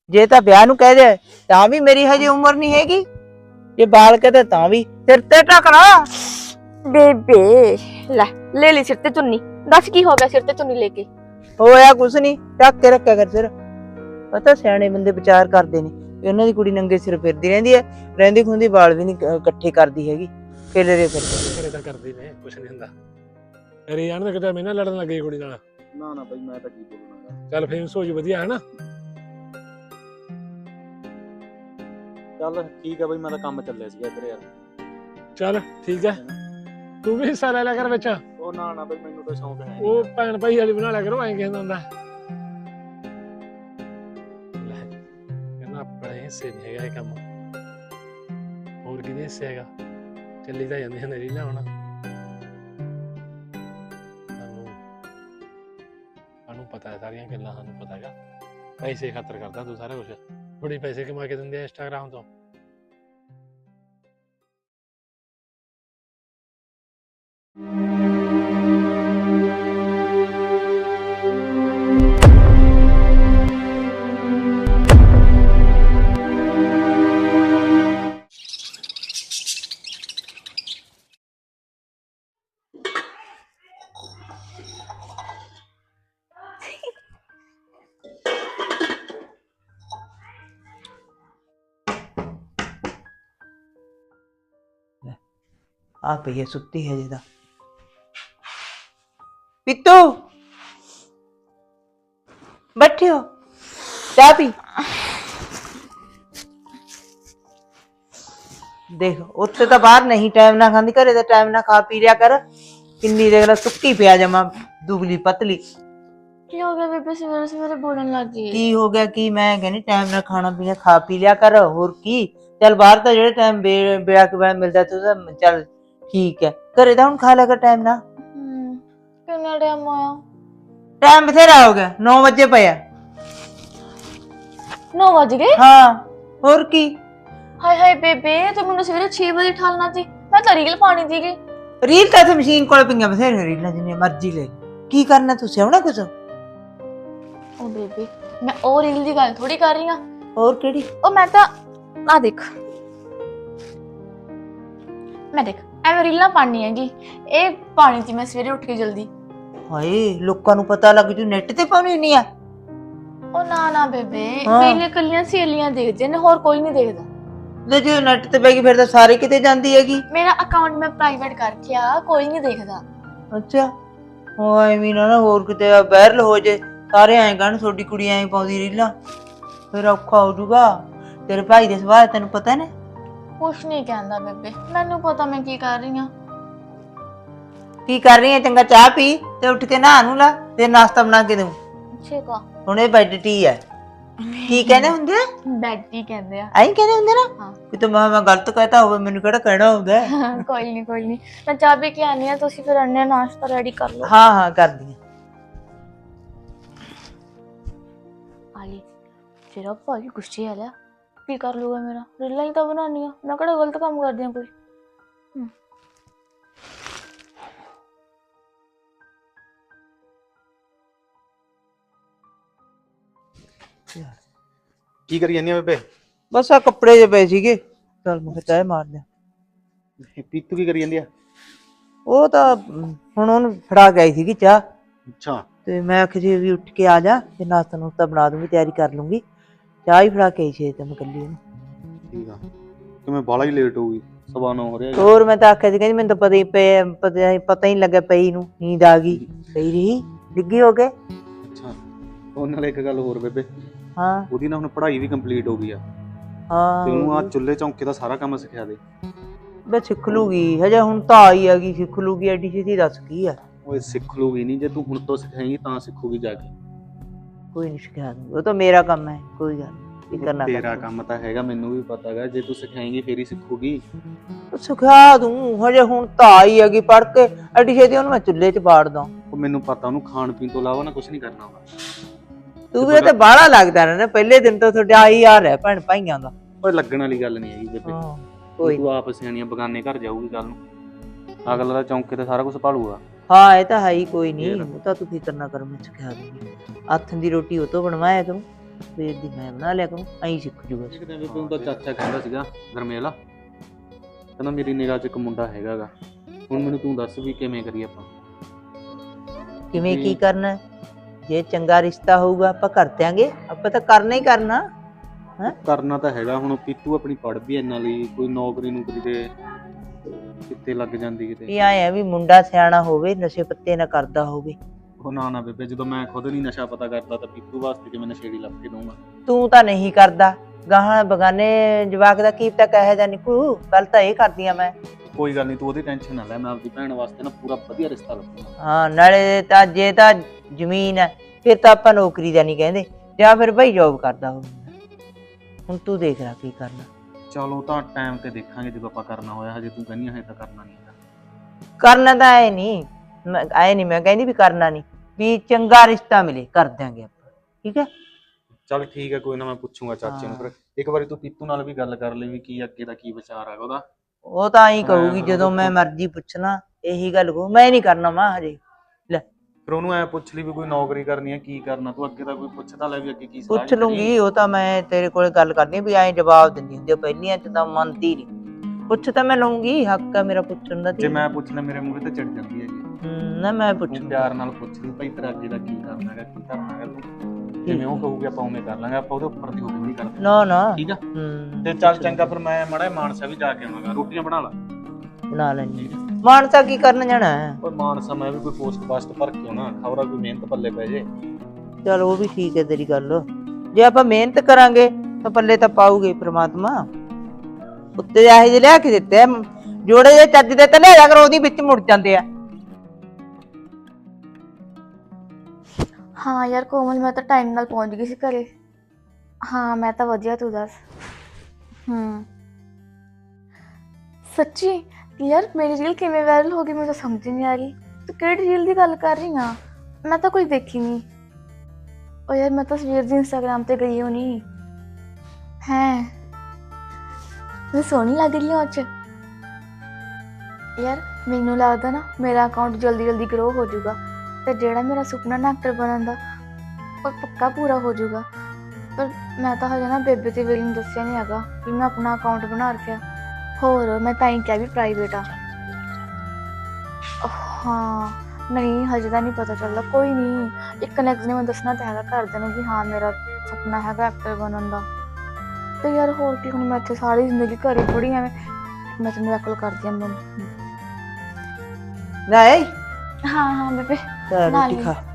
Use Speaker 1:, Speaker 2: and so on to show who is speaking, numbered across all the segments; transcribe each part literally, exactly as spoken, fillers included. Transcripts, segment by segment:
Speaker 1: जे तां ब्याह नूं कह दे तां भी मेरी हजे उम्र नहीं हैगी, जे बाल कहते तां भी सिर ते ढक ला।
Speaker 2: बेबे ले ले ली सिर ते चुन्नी, दस की हो गया सिर ते चुन्नी लेके?
Speaker 1: होया कुछ नहीं, ढक के रखा कर सिर। पता सियाणे बंदे विचार करते ने भी उन्हां दी कुड़ी नंगे सिर फिरदी रहिंदी है, रहिंदी खुंदी वाल भी नहीं इकट्ठे करदी हैगी, खेलरे फिरदे।
Speaker 3: ਘਰੇ ਤਾਂ ਕਰਦੀ ਨੇ ਕੁਛ ਨਹੀਂ ਹੁੰਦਾ। ਅਰੇ ਯਾਰ ਤਾਂ ਕਿਤੇ ਮੈਂ ਨਾ ਲੜਨ ਲੱਗੀ ਕੁੜੀ ਨਾਲ।
Speaker 4: ਨਾ ਨਾ ਬਈ ਮੈਂ ਤਾਂ ਕੀ ਬੋਲੂੰਗਾ।
Speaker 3: ਚੱਲ ਫੇਮਸ ਹੋ ਜੂ ਵਧੀਆ ਹੈ ਨਾ।
Speaker 4: ਚੱਲ ਠੀਕ ਆ ਬਈ ਮੈਂ ਤਾਂ ਕੰਮ ਚੱਲਿਆ ਸੀਗਾ ਇੱਧਰ ਯਾਰ।
Speaker 3: ਚੱਲ ਠੀਕ ਹੈ, ਤੂੰ ਵੀ ਹਿੱਸਾ ਲੈ ਲਿਆ ਕਰ ਵਿੱਚ।
Speaker 4: ਉਹ ਨਾ ਨਾ ਬਈ ਮੈਨੂੰ ਤਾਂ ਸ਼ੌਂਕ ਹੈ
Speaker 3: ਉਹ ਭੈਣ ਭਾਈ ਵਾਲੀ ਬਣਾ ਲਿਆ ਕਰੋ, ਐਂ ਕਹਿੰਦਾ ਹੁੰਦਾ। ਲੈ ਕਹਿੰਦਾ ਆਪਣੇ ਹਿੱਸੇ ਨਹੀਂ ਹੈਗਾ ਇਹ ਕੰਮ, ਹੋਰ ਕਿਹਦੇ ਹਿੱਸੇ ਹੈਗਾ? ਚੱਲੀ ਤਾਂ ਜਾਂਦੀ ਹਨੇਰੀ ਨਾ ਹੁਣ। ਸਾਨੂੰ ਸਾਨੂੰ ਪਤਾ ਹੈ ਸਾਰੀਆਂ ਗੱਲਾਂ, ਸਾਨੂੰ ਪਤਾ ਹੈਗਾ ਪੈਸੇ ਖਾਤਰ ਕਰਦਾ ਤੂੰ ਸਾਰਾ ਕੁਛ। ਥੋੜੀ ਪੈਸੇ ਕਮਾ ਕੇ ਦਿੰਦੇ ਆ ਇੰਸਟਾਗ੍ਰਾਮ ਤੋਂ।
Speaker 1: आ पई है सुत्ती है जेदा। पित्तू बैठे हो, चाह पी। देख उत्ते तो बाहर नहीं टाइम ना खांदी, घरे तो टाइम ना खा पी लिया कर। किन्नी देख ला सुक्की पिया जमा दुबली पतली।
Speaker 2: की हो गया बेबे सवेरे सवेरे बोलने लग गई?
Speaker 1: की हो गया की मैं कहनी टाइम ना खाना पीना खा पी लिया कर, होर की। चल बाहर तो जेड़े टाइम ब्याह के बाद मिलदा तू चल ठीक है, घरे तो हुण खा लिया कर टाइम ना।
Speaker 2: किन्ना टाइम होया?
Speaker 1: टाइम बथेरा हो गया, नौ बजे पिया।
Speaker 2: नौ बज गए?
Speaker 1: हाँ होर की।
Speaker 2: हाय हाय बेबे तू मैनू सवेरे छह बजे उठालना सी, मैं तो रील पानी थी।
Speaker 1: रील तो इत्थे मशीन कोल पईयां बथेरे रीलां जिन्नी मर्जी ले, की करना तू सियाउणा कुछ?
Speaker 2: ओ बेबे मैं ओ रील दी गल थोड़ी कर रही हां।
Speaker 1: और केड़ी?
Speaker 2: ओ मैं तो आ देख, मैं देख ਐਵੇਂ ਰੀਲਾਂ ਪਾਣੀ ਹੈਗੀ, ਇਹ ਪਾਣੀ ਸੀ ਮੈਂ ਸਵੇਰੇ ਉੱਠ ਕੇ ਜਲਦੀ।
Speaker 1: ਹਾਏ ਲੋਕਾਂ ਨੂੰ ਪਤਾ ਲੱਗ ਜੂ ਨੈਟ ਤੇ ਪਾਉਣੀ ਨਹੀਂ ਆ।
Speaker 2: ਉਹ ਨਾ ਨਾ ਬੇਬੇ ਮੇਰੀਆਂ ਕੱਲੀਆਂ ਸਹੇਲੀਆਂ ਦੇਖਦੇ ਨੇ, ਹੋਰ ਕੋਈ ਨਹੀਂ ਦੇਖਦਾ।
Speaker 1: ਲੈ ਜੇ ਨੈਟ ਤੇ ਪੈ ਗਈ ਫਿਰ ਤਾਂ ਸਾਰੇ ਕਿਤੇ ਜਾਂਦੀ ਹੈਗੀ।
Speaker 2: ਮੇਰਾ ਅਕਾਊਂਟ ਮੈਂ ਪ੍ਰਾਈਵੇਟ ਕਰ ਰੱਖਿਆ, ਕੋਈ ਨਹੀਂ ਦੇਖਦਾ।
Speaker 1: ਅੱਛਾ ਉਹ ਐਵੇਂ ਨਾ ਹੋਰ ਕਿਤੇ ਵਾਇਰਲ ਹੋ ਜੇ, ਸਾਰੇ ਐਂ ਕਹਿਣ ਤੁਹਾਡੀ ਕੁੜੀ ਐਂ ਪਾਉਂਦੀ ਰੀਲਾਂ, ਫਿਰ ਔਖਾ ਹੋ ਜੂਗਾ। ਤੇਰੇ ਭਾਈ ਦੇ ਸੁਭਾਅ ਤੈਨੂੰ ਪਤਾ ਨੇ।
Speaker 2: ਕੁਛ ਨਹੀਂ ਕਹਿੰਦਾ ਬੇਬੇ, ਮੈਨੂੰ ਪਤਾ ਮੈਂ ਕੀ ਕਰ ਰਹੀ ਹਾਂ।
Speaker 1: ਕੀ ਕਰ ਰਹੀ ਹੈ? ਚੰਗਾ ਚਾਹ ਪੀ ਤੇ ਉੱਠ ਕੇ ਨਹਾ ਨੂੰ ਲਾ, ਤੇ ਨਾਸ਼ਤਾ ਬਣਾ ਕੇ ਦਊਂ।
Speaker 2: ਠੀਕ ਆ।
Speaker 1: ਹੁਣ ਇਹ ਬੈੱਡ ਟੀ ਹੈ। ਕੀ ਕਹਿੰਦੇ ਹੁੰਦੇ ਆ?
Speaker 2: ਬੈਡ ਟੀ ਕਹਿੰਦੇ ਆ।
Speaker 1: ਐਂ ਕਹਿੰਦੇ ਹੁੰਦੇ ਨਾ?
Speaker 2: ਹਾਂ।
Speaker 1: ਕਿਤੇ ਮੈਂ ਮੈਂ ਗਲਤ ਕਹਿਤਾ ਹੋਵੇ, ਮੈਨੂੰ ਕਿਹੜਾ ਕਹਿਣਾ ਹੁੰਦਾ।
Speaker 2: ਕੋਈ ਨਹੀਂ ਕੋਈ ਨਹੀਂ, ਮੈਂ ਚਾਹ ਪੀ ਕੇ ਆਨੀ ਆ, ਤੁਸੀਂ ਫਿਰ ਅੰਨੇ ਨਾਸ਼ਤਾ ਰੈਡੀ ਕਰ ਲਓ।
Speaker 1: ਹਾਂ ਹਾਂ ਕਰਦੀ
Speaker 2: ਆਲੀ ਤੇਰਾ ਭਾਈ ਗੁੱਸੇ ਆ ਲਿਆ, ਕੀ ਕਰ ਲੂਗਾ ਮੇਰਾ? ਰੀਲਾਂ ਹੀ ਤਾਂ ਬਣਾਉਣੀ ਆ, ਮੈਂ ਕਿਹੜਾ ਗਲਤ ਕੰਮ ਕਰਦੀ ਆ ਕੋਈ।
Speaker 4: ਕੀ ਕਰੀ ਜਾਂਦੀ ਆ ਬੇਬੇ?
Speaker 1: ਬਸ ਆ ਕੱਪੜੇ ਜੇ ਪਏ ਸੀਗੇ, ਚਲ ਮੈਂ ਚਾਹ ਮਾਰ ਦਿਆਂ।
Speaker 4: ਪੀਤੂ ਕੀ ਕਰੀ ਜਾਂਦੀ ਆ?
Speaker 1: ਉਹ ਤਾਂ ਹੁਣ ਉਹਨੂੰ ਫੜਾ ਗਈ ਸੀਗੀ ਚਾਹ,
Speaker 4: ਅੱਛਾ
Speaker 1: ਤੇ ਮੈਂ ਆਖਿਆ ਜੀ ਵੀ ਉੱਠ ਕੇ ਆ ਜਾ ਤੇ ਨਾਸ਼ਤਾ ਨੂਸ਼ਤਾ ਬਣਾ ਦੂੰਗੀ, ਤਿਆਰੀ ਕਰ ਲੂੰਗੀ। ਚਾਹ ਹੀ ਫੜਾ ਕੇ ਆਈ ਸੀ ਤੇ ਮੈਂ ਕੱਲੀ ਉਹਨੂੰ।
Speaker 4: ਠੀਕ ਆ, ਕਿਵੇਂ ਬਾਲਾ ਹੀ ਲੇਟ ਹੋ ਗਈ, ਸਵਾ ਨੌ ਹੋ ਰਿਹਾ।
Speaker 1: ਹੋਰ ਮੈਂ ਤਾਂ ਆਖਿਆ ਸੀ ਕਹਿੰਦੀ ਮੈਨੂੰ ਤਾਂ ਪਤਾ ਹੀ ਪਏ ਪਤਾ ਪਤਾ ਹੀ ਲੱਗਾ ਪਈ ਨੂੰ, ਨੀਂਦ ਆ ਗਈ, ਪਈ ਰਹੀ ਡਿੱਗੀ ਹੋ ਕੇ।
Speaker 4: ਅੱਛਾ ਉਹ ਨਾਲ ਇੱਕ ਗੱਲ ਹੋਰ ਬੇਬੇ,
Speaker 1: ਹਾਂ
Speaker 4: ਉਹਦੀ ਨਾ ਹੁਣ ਪੜ੍ਹਾਈ ਵੀ ਕੰਪਲੀਟ ਹੋ ਗਈ ਆ,
Speaker 1: ਹਾਂ
Speaker 4: ਤੇ ਉਹਨੂੰ ਆ ਚੁੱਲ੍ਹੇ ਚੌਂਕੇ ਦਾ ਸਾਰਾ ਕੰਮ ਸਿਖਾ ਦੇ।
Speaker 1: ਬੇ ਸਿੱਖ ਲੂਗੀ, ਹਜੇ ਹੁਣ ਤਾਂ ਆਈ ਹੈਗੀ, ਸਿੱਖ ਲੂਗੀ ਐਡੀ ਛੇਤੀ, ਦੱਸ ਕੀ ਆ।
Speaker 4: ਓਏ ਸਿੱਖ ਲੂਗੀ ਨਹੀਂ, ਜੇ ਤੂੰ ਹੁਣ ਤੋਂ ਸਿਖਾਏਂਗੀ ਤਾਂ ਸਿੱਖੂਗੀ ਜਾ ਕੇ।
Speaker 1: ਕੋਈ ਨਹੀਂ ਸਿਖਾ ਦੂੰਗੀ, ਉਹ ਤਾਂ ਮੇਰਾ ਕੰਮ ਹੈ, ਕੋਈ ਗੱਲ ਨਹੀਂ ਕਰਨਾ।
Speaker 4: ਤੇਰਾ ਕੰਮ ਤਾਂ ਹੈਗਾ, ਮੈਨੂੰ ਵੀ ਪਤਾ ਹੈਗਾ, ਜੇ ਤੂੰ ਸਿਖਾਏਂਗੀ ਫੇਰ ਹੀ ਸਿੱਖੂਗੀ।
Speaker 1: ਸਿਖਾ ਦੂੰ, ਹਜੇ ਹੁਣ ਤਾਂ ਆਈ ਹੈਗੀ ਪੜ੍ਹ ਕੇ, ਐਡੀ ਛੇਤੀ ਉਹਨੂੰ ਮੈਂ ਚੁੱਲ੍ਹੇ 'ਚ ਬਾੜ ਦਾਂ।
Speaker 4: ਉਹ ਮੈਨੂੰ ਪਤਾ ਉਹਨੂੰ ਖਾਣ ਪੀਣ ਤੋਂ ਇਲਾਵਾ ਨਾ ਕੁਝ ਨਹੀਂ ਕਰਨਾ ਹੁੰਦਾ।
Speaker 1: ਤੂੰ ਵੀ ਤੇ ਬਾਹਲਾ ਲੱਗਦਾ ਰਹਿਣਾ, ਪਹਿਲੇ ਦਿਨ ਤੋਂ ਤੁਹਾਡਾ ਆਹੀ ਹਾਲ ਹੈ ਭੈਣ ਭਾਈਆਂ ਦਾ।
Speaker 4: ਓਏ ਲੱਗਣ ਵਾਲੀ ਗੱਲ ਨਹੀਂ ਹੈਗੀ ਬੇਬੇ,
Speaker 1: ਕੋਈ
Speaker 4: ਤੂੰ ਆਪ ਸਿਆਣੀਆਂ ਬਗਾਨੇ ਘਰ ਜਾਊਗੀ ਕੱਲ ਨੂੰ, ਅਗਲਾ ਦਾ ਚੌਂਕੇ ਤੇ ਸਾਰਾ ਕੁਝ ਭਾਲੂਗਾ।
Speaker 1: ਹਾਂ ਇਹ ਤਾਂ ਹੈ ਹੀ, ਕੋਈ ਨਹੀਂ, ਉਹ ਤਾਂ ਤੂੰ ਫਿਕਰ ਨਾ ਕਰ, ਮੈਂ ਸਿਖਾ ਦੂੰਗੀ। ਹੱਥ ਦੀ ਰੋਟੀ ਉਹ ਤੋਂ ਬਣਵਾਇਆ ਕਰੂੰ, ਸਵੇਰ ਦੀ ਮੈਂ ਬਣਾ ਲਿਆ ਕਰੂੰ, ਐਂ ਸਿੱਖ ਜੂਗਾ।
Speaker 4: ਇੱਕ ਦਿਨ ਬੇਬੇ ਉਹਦਾ ਚਾਚਾ ਕਹਿੰਦਾ ਸੀਗਾ ਗਰਮੇਲਾ, ਕਹਿੰਦਾ ਮੇਰੀ ਨਿਗਾਹ 'ਚ ਇੱਕ ਮੁੰਡਾ ਹੈਗਾ ਗਾ, ਹੁਣ ਮੈਨੂੰ ਤੂੰ ਦੱਸ ਵੀ ਕਿਵੇਂ ਕਰੀਏ ਆਪਾਂ।
Speaker 1: ਕਿਵੇਂ ਕੀ
Speaker 4: ਜੀ।
Speaker 1: ਕਰਨਾ? ਜੇ ਚੰਗਾ ਰਿਸ਼ਤਾ ਹੋਊਗਾ ਆਪਾਂ ਕਰ ਦਿਆਂਗੇ, ਆਪਾਂ ਤਾਂ ਕਰਨਾ ਹੀ ਕਰਨਾ।
Speaker 4: ਕਰਨਾ ਤਾਂ ਹੈਗਾ, ਹੁਣ ਪੀਤੂ ਆਪਣੀ ਪੜ੍ਹ ਵੀ ਇਹਨਾਂ ਲਈ, ਕੋਈ ਨੌਕਰੀ ਨੂਕਰੀ ਦੇ ਕਿੱਤੇ ਲੱਗ ਜਾਂਦੀ ਕਿਤੇ।
Speaker 1: ਵੀ ਆਏ ਆ ਵੀ ਮੁੰਡਾ ਸਿਆਣਾ ਹੋਵੇ, ਨਸ਼ੇ ਪੱਤੇ ਨਾ ਕਰਦਾ ਹੋਵੇ।
Speaker 4: ਉਹ ਨਾ ਨਾ ਬੇਬੇ, ਜਦੋਂ ਮੈਂ ਖੁਦ ਨਹੀਂ ਨਸ਼ਾ ਪਤਾ ਕਰਦਾ ਤਾਂ ਪੀਤੂ ਵਾਸਤੇ ਕਿਵੇਂ ਨਸ਼ੇੜੀ ਲੱਭ ਕੇ ਦਊਂਗਾ।
Speaker 1: ਤੂੰ ਤਾਂ ਨਹੀਂ ਕਰਦਾ, ਗਾਹਾਂ ਬਗਾਨੇ ਜਵਾਕ ਦਾ ਕੀ ਪਤਾ ਕਹੇ ਜਾਂ ਨਿਕਲੂ, ਗੱਲ ਤਾਂ ਇਹ ਕਰਦੀ ਆ ਮੈਂ।
Speaker 4: ਕੋਈ ਗੱਲ ਨਹੀਂ, ਤੂੰ ਉਹਦੀ ਟੈਨਸ਼ਨ ਨਾ ਲੈ, ਮੈਂ ਆਪਦੀ ਭੈਣ ਵਾਸਤੇ ਨਾ ਪੂਰਾ ਵਧੀਆ ਰਿਸ਼ਤਾ ਲੱਭੂਗਾ।
Speaker 1: ਹਾਂ, ਨਾਲੇ ਤਾਂ ਜੇ ਤਾਂ ਜ਼ਮੀਨ ਹੈ ਫਿਰ ਤਾਂ ਆਪਾਂ ਨੌਕਰੀ ਦਾ ਨਹੀਂ ਕਹਿੰਦੇ, ਜਾਂ ਫਿਰ ਭਾਈ ਜੋਬ ਕਰਦਾ ਹੋਵੇ। ਹੁਣ ਤੂੰ ਦੇਖ ਲੈ ਕੀ ਕਰਨਾ।
Speaker 4: ਚਲੋ ਤਾਂ ਟਾਈਮ ਤੇ ਦੇਖਾਂਗੇ ਜਦੋਂ ਆਪਾਂ ਕਰਨਾ ਹੋਇਆ, ਹਜੇ ਤੂੰ ਕਹਿੰਦੀ ਹੈ ਤਾਂ ਕਰਨਾ ਨਹੀਂ ਹੈਗਾ।
Speaker 1: ਕਰਨਾ ਤਾਂ ਐ ਨਹੀਂ, ਐ ਨਹੀਂ ਮੈਂ ਕਹਿੰਦੀ ਵੀ ਕਰਨਾ ਨਹੀਂ, ਵੀ ਚੰਗਾ ਰਿਸ਼ਤਾ ਮਿਲੇ ਕਰ ਦਿਆਂਗੇ ਆਪਾਂ, ਠੀਕ ਹੈ।
Speaker 4: ਚੱਲ ਠੀਕ ਹੈ, ਕੋਈ ਨਾ ਮੈਂ ਪੁੱਛੂੰਗਾ ਚਾਚੇ ਨੂੰ, ਫਿਰ ਇੱਕ ਵਾਰੀ ਤੂੰ ਪੀਤੂ ਨਾਲ ਵੀ ਗੱਲ ਕਰ ਲਈ ਵੀ ਕੀ ਅੱਗੇ ਦਾ ਕੀ ਵਿਚਾਰ ਹੈਗਾ ਉਹਦਾ।
Speaker 1: ਉਹ ਤਾਂ ਐਂ ਕਹੂਗੀ
Speaker 4: ਹਾਂ,
Speaker 1: ਜਦੋਂ ਮੈਂ ਮਰਜ਼ੀ ਪੁੱਛਣਾ ਇਹੀ ਗੱਲ ਕਹੂ, ਮੈਂ ਨਹੀਂ ਕਰਨਾ ਮਾਂ ਹਜੇ। ਲੈ
Speaker 4: ਫਿਰ ਉਹਨੂੰ ਐ ਪੁੱਛ ਲਈ ਵੀ ਕੋਈ ਨੌਕਰੀ ਕਰਨੀ ਹੈ ਕੀ ਕਰਨਾ, ਤੂੰ ਅੱਗੇ ਦਾ ਕੋਈ ਪੁੱਛਦਾ ਲੈ ਵੀ ਅੱਗੇ ਕੀ ਸਲਾਹ
Speaker 1: ਪੁੱਛ ਲੂੰਗੀ, ਉਹ ਤਾਂ ਮੈਂ ਤੇਰੇ ਕੋਲੇ ਗੱਲ ਕਰਨੀ ਵੀ ਐਂ ਜਵਾਬ ਦਿੰਦੀ ਹੁੰਦੀ ਆ, ਪਹਿਲੀਆਂ ਚ ਤਾਂ ਮੰਨਦੀ ਨਹੀਂ। ਪੁੱਛ ਤਾਂ ਮੈਂ ਲਊਂਗੀ, ਹੱਕ ਆ ਮੇਰਾ ਪੁੱਛਣ ਦਾ।
Speaker 4: ਜੇ ਮੈਂ ਪੁੱਛਣਾ ਮੇਰੇ ਮੂੰਹ ਤੇ ਚੜ ਜਾਂਦੀ ਹੈ ਜੀ।
Speaker 1: ਹੂੰ, ਨਾ ਮੈਂ
Speaker 4: ਤੂੰ
Speaker 1: ਪੁੱਛੂੰਗੀ।
Speaker 4: ਪਿਆਰ ਨਾਲ ਪੁੱਛ ਲਈ ਭਾਈ ਤੇਰਾ ਅੱਗੇ ਦਾ ਕੀ ਕਰਨਾ ਹੈਗਾ, ਕੀ ਕਰਨਾ ਹੈਗਾ ਤੂੰ, ਜਿਵੇਂ ਉਹ ਕਹੂਗੀ ਆਪਾਂ ਉਵੇਂ ਕਰ ਲਾਂਗੇ, ਆਪਾਂ ਉਹਦੇ ਉੱਪਰ ਦੀ ਹੋਵੇ ਨਹੀਂ ਕਰਦੇ।
Speaker 1: ਨਾ ਨਾ,
Speaker 4: ਠੀਕ ਆ,
Speaker 1: ਹੂੰ
Speaker 4: ਤੇ ਚੱਲ ਚੰਗਾ, ਫਿਰ ਮੈਂ ਮਾੜਾ ਜਿਹਾ ਮਾਨਸਾ ਵੀ ਜਾ ਕੇ ਆਵਾਂਗਾ, ਰੋਟੀਆਂ ਬਣਾ ਲਾ।
Speaker 1: ਬਣਾ ਲੈਣੀ। ਮਾਨਸਾ ਕੀ ਕਰਨ ਜਾਣਾ ਹੈ?
Speaker 4: ਓਏ ਮਾਨਸਾ ਮੈਂ ਵੀ ਕੋਈ ਪੋਸਟ ਪਾਸਟ ਭਰ ਕੇ ਆਉਣਾ, ਖਬਰਾਂ ਕੋਈ ਮਿਹਨਤ ਪੱਲੇ ਪੈ ਜੇ।
Speaker 1: ਚਲ ਉਹ ਵੀ ਠੀਕ ਹੈ ਤੇਰੀ ਗੱਲ, ਜੇ ਆਪਾਂ ਮਿਹਨਤ ਕਰਾਂਗੇ ਤਾਂ ਪੱਲੇ ਤਾਂ ਪਾਊਗੇ ਪ੍ਰਮਾਤਮਾ। ਉੱਤੇ ਇਹੋ ਜਿਹੇ ਲਿਆ ਕੇ ਦਿੱਤੇ ਆ, ਜੋੜੇ ਜਿਹੇ ਚੱਜ ਦੇ ਤਾਂ ਲਿਆ ਕਰੋ, ਉਹਦੀ ਵਿੱਚ ਮੁੜ ਜਾਂਦੇ ਆ।
Speaker 2: ਹਾਂ ਯਾਰ ਕੋਮਲ, ਮੈਂ ਤਾਂ ਟਾਈਮ ਨਾਲ ਪਹੁੰਚ ਗਈ ਸੀ ਘਰੇ। ਹਾਂ ਮੈਂ ਤਾਂ ਵਧੀਆ, ਤੂੰ ਦੱਸ। ਹੂੰ ਸੱਚੀ ਯਾਰ, ਮੇਰੀ ਰੀਲ ਕਿਵੇਂ ਵਾਇਰਲ ਹੋ ਗਈ ਮੈਨੂੰ ਤਾਂ ਸਮਝ ਨਹੀਂ ਆ ਰਹੀ। ਤੂੰ ਕਿਹੜੀ ਰੀਲ ਦੀ ਗੱਲ ਕਰ ਰਹੀ ਆ? ਮੈਂ ਤਾਂ ਕੋਈ ਦੇਖੀ ਨਹੀਂ। ਉਹ ਯਾਰ ਮੈਂ ਤਾਂ ਸਵੇਰ ਦੀ ਇੰਸਟਾਗ੍ਰਾਮ ਤੇ ਗਈ ਹੋਣੀ ਹੈ। ਮੈਂ ਸੋਹਣੀ ਲੱਗ ਰਹੀ ਹਾਂ ਉਹ 'ਚ। ਯਾਰ ਮੈਨੂੰ ਲੱਗਦਾ ਨਾ ਮੇਰਾ ਅਕਾਊਂਟ ਜਲਦੀ ਜਲਦੀ ਗਰੋ ਹੋ ਜਾਊਗਾ, ਤੇ ਜਿਹੜਾ ਮੇਰਾ ਸੁਪਨਾ ਨਾ ਐਕਟਰ ਬਣਨ ਦਾ ਉਹ ਪੱਕਾ ਪੂਰਾ ਹੋ ਜਾਊਗਾ। ਪਰ ਮੈਂ ਤਾਂ ਹਜੇ ਨਾ ਬੇਬੇ ਤੇ ਵੀਰ ਨੂੰ ਦੱਸਿਆ ਨਹੀਂ ਹੈਗਾ ਕਿ ਮੈਂ ਆਪਣਾ ਅਕਾਊਂਟ ਬਣਾ ਰੱਖਿਆ। ਹੋਰ ਮੈਂ ਤਾਂ ਹੀ ਕਿਹਾ ਵੀ ਪ੍ਰਾਈਵੇਟ ਆ। ਹਾਂ ਨਹੀਂ ਹਜੇ ਤਾਂ ਨਹੀਂ ਪਤਾ ਚੱਲਦਾ। ਕੋਈ ਨਹੀਂ, ਇੱਕ ਨੈਕਸਟ ਨੇ ਮੈਂ ਦੱਸਣਾ ਤਾਂ ਹੈਗਾ ਘਰਦਿਆਂ ਨੂੰ ਵੀ ਹਾਂ ਮੇਰਾ ਸੁਪਨਾ ਹੈਗਾ ਐਕਟਰ ਬਣਨ ਦਾ। ਤੇ ਯਾਰ ਹੋਰ ਕੀ, ਹੁਣ ਮੈਂ ਇੱਥੇ ਸਾਰੀ ਜ਼ਿੰਦਗੀ ਘਰੇ ਥੋੜ੍ਹੀ ਐਵੇਂ ਮੈਂ ਤੈਨੂੰ ਨਕਲ ਕਰਦੀ ਹਾਂ।
Speaker 1: ਨਹੀਂ
Speaker 2: ਹਾਂ ਹਾਂ ਬੇਬੇ
Speaker 1: ਤਾਂ
Speaker 2: ਨਾਲ
Speaker 1: ਰੋਟੀ
Speaker 2: ਹੀ।
Speaker 1: ਖਾ।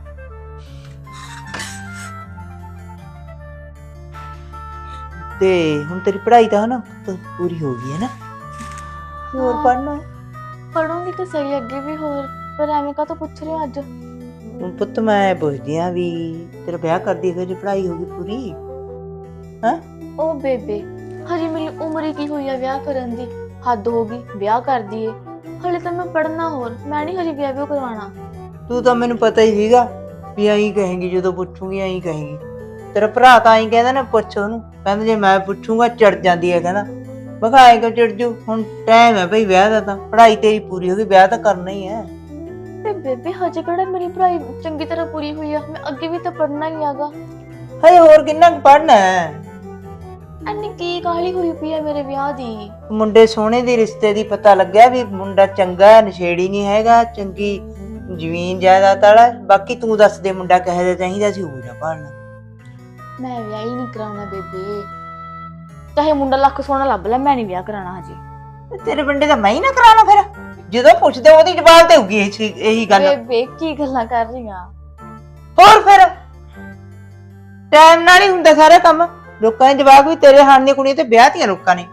Speaker 1: ਤੇ ਹੁਣ ਤੇਰੀ ਪੜ੍ਹਾਈ ਤਾਂ ਹਨਾ ਪੂਰੀ ਹੋ ਗਈ ਹੈ ਨਾ? ਹੋਰ
Speaker 2: ਹਾਂ।
Speaker 1: ਪੜ੍ਹਨਾ?
Speaker 2: ਪੜੂੰਗੀ ਤਾਂ ਸਹੀ ਅੱਗੇ ਵੀ, ਹੋਰ ਪਰ ਐਵੇਂ ਕਾਹਤੋਂ ਪੁੱਛ ਰਹੇ ਹੋ ਅੱਜ?
Speaker 1: ਹੁਣ ਪੁੱਤ ਮੈਂ ਪੁੱਛਦੀ ਆ ਵੀ ਤੇਰਾ ਵਿਆਹ ਕਰਦੀ ਫਿਰ ਜੇ ਪੜ੍ਹਾਈ ਹੋ ਗਈ ਪੂਰੀ? ਹੈਂ?
Speaker 2: ਉਹ ਬੇਬੇ ਹਜੇ ਮੇਰੀ ਉਮਰ ਹੀ ਕੀ ਹੋਈ ਆ ਵਿਆਹ ਕਰਨ ਦੀ? ਹੱਦ ਹੋ ਗਈ, ਵਿਆਹ ਕਰ ਦਈਏ। ਹਲੇ ਤਾਂ ਮੈਂ ਪੜ੍ਹਨਾ, ਹੋਰ ਮੈਂ ਨਹੀਂ ਹਜੇ ਵਿਆਹ ਵੀ ਕਰਵਾਉਣਾ।
Speaker 1: ਤੂੰ ਤਾਂ ਮੈਨੂੰ ਪਤਾ ਹੀ ਸੀਗਾ ਵੀ ਐਂ ਕਹੇਂਗੀ, ਜਦੋਂ ਪੁੱਛੂਗੀ ਐਂ ਕਹੇਂਗੀ। ਤੇਰਾ ਭਰਾ ਤਾਂ ਐਂ ਕਹਿੰਦਾ ਨਾ, ਪੁੱਛ ਉਹਨੂੰ, ਕਹਿੰਦਾ ਜੇ ਮੈਂ ਪੁੱਛੂਗਾ ਚੜ ਜਾਂਦੀ ਹੈ। ਕਹਿੰਦਾ ਮੈਂ ਕਿਹਾ ਐਂ ਕਿਉਂ ਚੜ ਜੂ, ਹੁਣ ਟਾਈਮ ਹੈ ਭਾਈ ਵਿਆਹ ਦਾ, ਤਾਂ ਪੜ੍ਹਾਈ ਤੇਰੀ ਪੂਰੀ ਹੋ ਗਈ, ਵਿਆਹ ਤਾਂ ਕਰਨਾ ਹੀ ਹੈ।
Speaker 2: ਤੇ ਬੇਬੇ ਹਜੇ ਕਿਹੜਾ ਮੇਰੀ ਪੜ੍ਹਾਈ ਚੰਗੀ ਤਰ੍ਹਾਂ ਪੂਰੀ ਹੋਈ ਆ, ਮੈਂ ਅੱਗੇ ਵੀ ਤਾਂ ਪੜ੍ਹਨਾ ਹੀ ਹੈਗਾ।
Speaker 1: ਹਜੇ ਹੋਰ ਕਿੰਨਾ ਕੁ ਪੜ੍ਹਨਾ ਹੈ?
Speaker 2: ਐਨੀ ਕੀ ਕਾਹਲੀ ਹੋਈ ਪਈ ਆ ਮੇਰੇ ਵਿਆਹ ਦੀ?
Speaker 1: ਮੁੰਡੇ ਸੋਹਣੇ ਦੀ ਰਿਸ਼ਤੇ ਦੀ ਪਤਾ ਲੱਗਿਆ ਵੀ ਮੁੰਡਾ ਚੰਗਾ, ਨਸ਼ੇੜੀ ਨਹੀਂ ਹੈਗਾ, ਚੰਗੀ ਜ਼ਮੀਨ ਜਾਇਦਾਦ ਵਾਲਾ। ਬਾਕੀ ਤੂੰ ਦੱਸ ਦੇ ਮੁੰਡਾ ਕਿਹੋ ਜਿਹਾ ਚਾਹੀਦਾ ਸੀ, ਉਹ ਜਾ ਭਾਲਣਾ।
Speaker 2: ਮੈਂ ਵਿਆਹ ਹੀ ਨਹੀਂ ਕਰਾਉਣਾ ਬੇਬੇ, ਚਾਹੇ ਮੁੰਡਾ ਲੱਖ ਸੋਹਣਾ ਲੱਭ ਲੈ, ਮੈਂ ਨਹੀਂ ਵਿਆਹ ਕਰਾਉਣਾ ਹਜੇ।
Speaker 1: ਤੇਰੇ ਬੰਦੇ ਦਾ ਮੈਂ ਹੀ ਨਾ ਕਰਾਣਾ? ਫਿਰ ਜਦੋਂ ਪੁੱਛਦੇ ਉਹਦੀ ਜਵਾਬ ਤੇ ਹੋਊਗੀ ਇਹੀ ਗੱਲ।
Speaker 2: ਬੇਬੇ ਕੀ ਗੱਲਾਂ ਕਰ ਰਹੀਆਂ?
Speaker 1: ਹੋਰ ਫਿਰ ਟਾਈਮ ਨਾਲ ਹੀ ਹੁੰਦਾ ਸਾਰਾ ਕੰਮ। ਲੋਕਾਂ ਦੇ ਜਵਾਬ ਵੀ ਤੇਰੇ ਹਾਣ ਦੀਆਂ ਕੁੜੀਆਂ ਤੇ ਵਿਆਹ ਤੀਆਂ ਲੋਕਾਂ ਨੇ।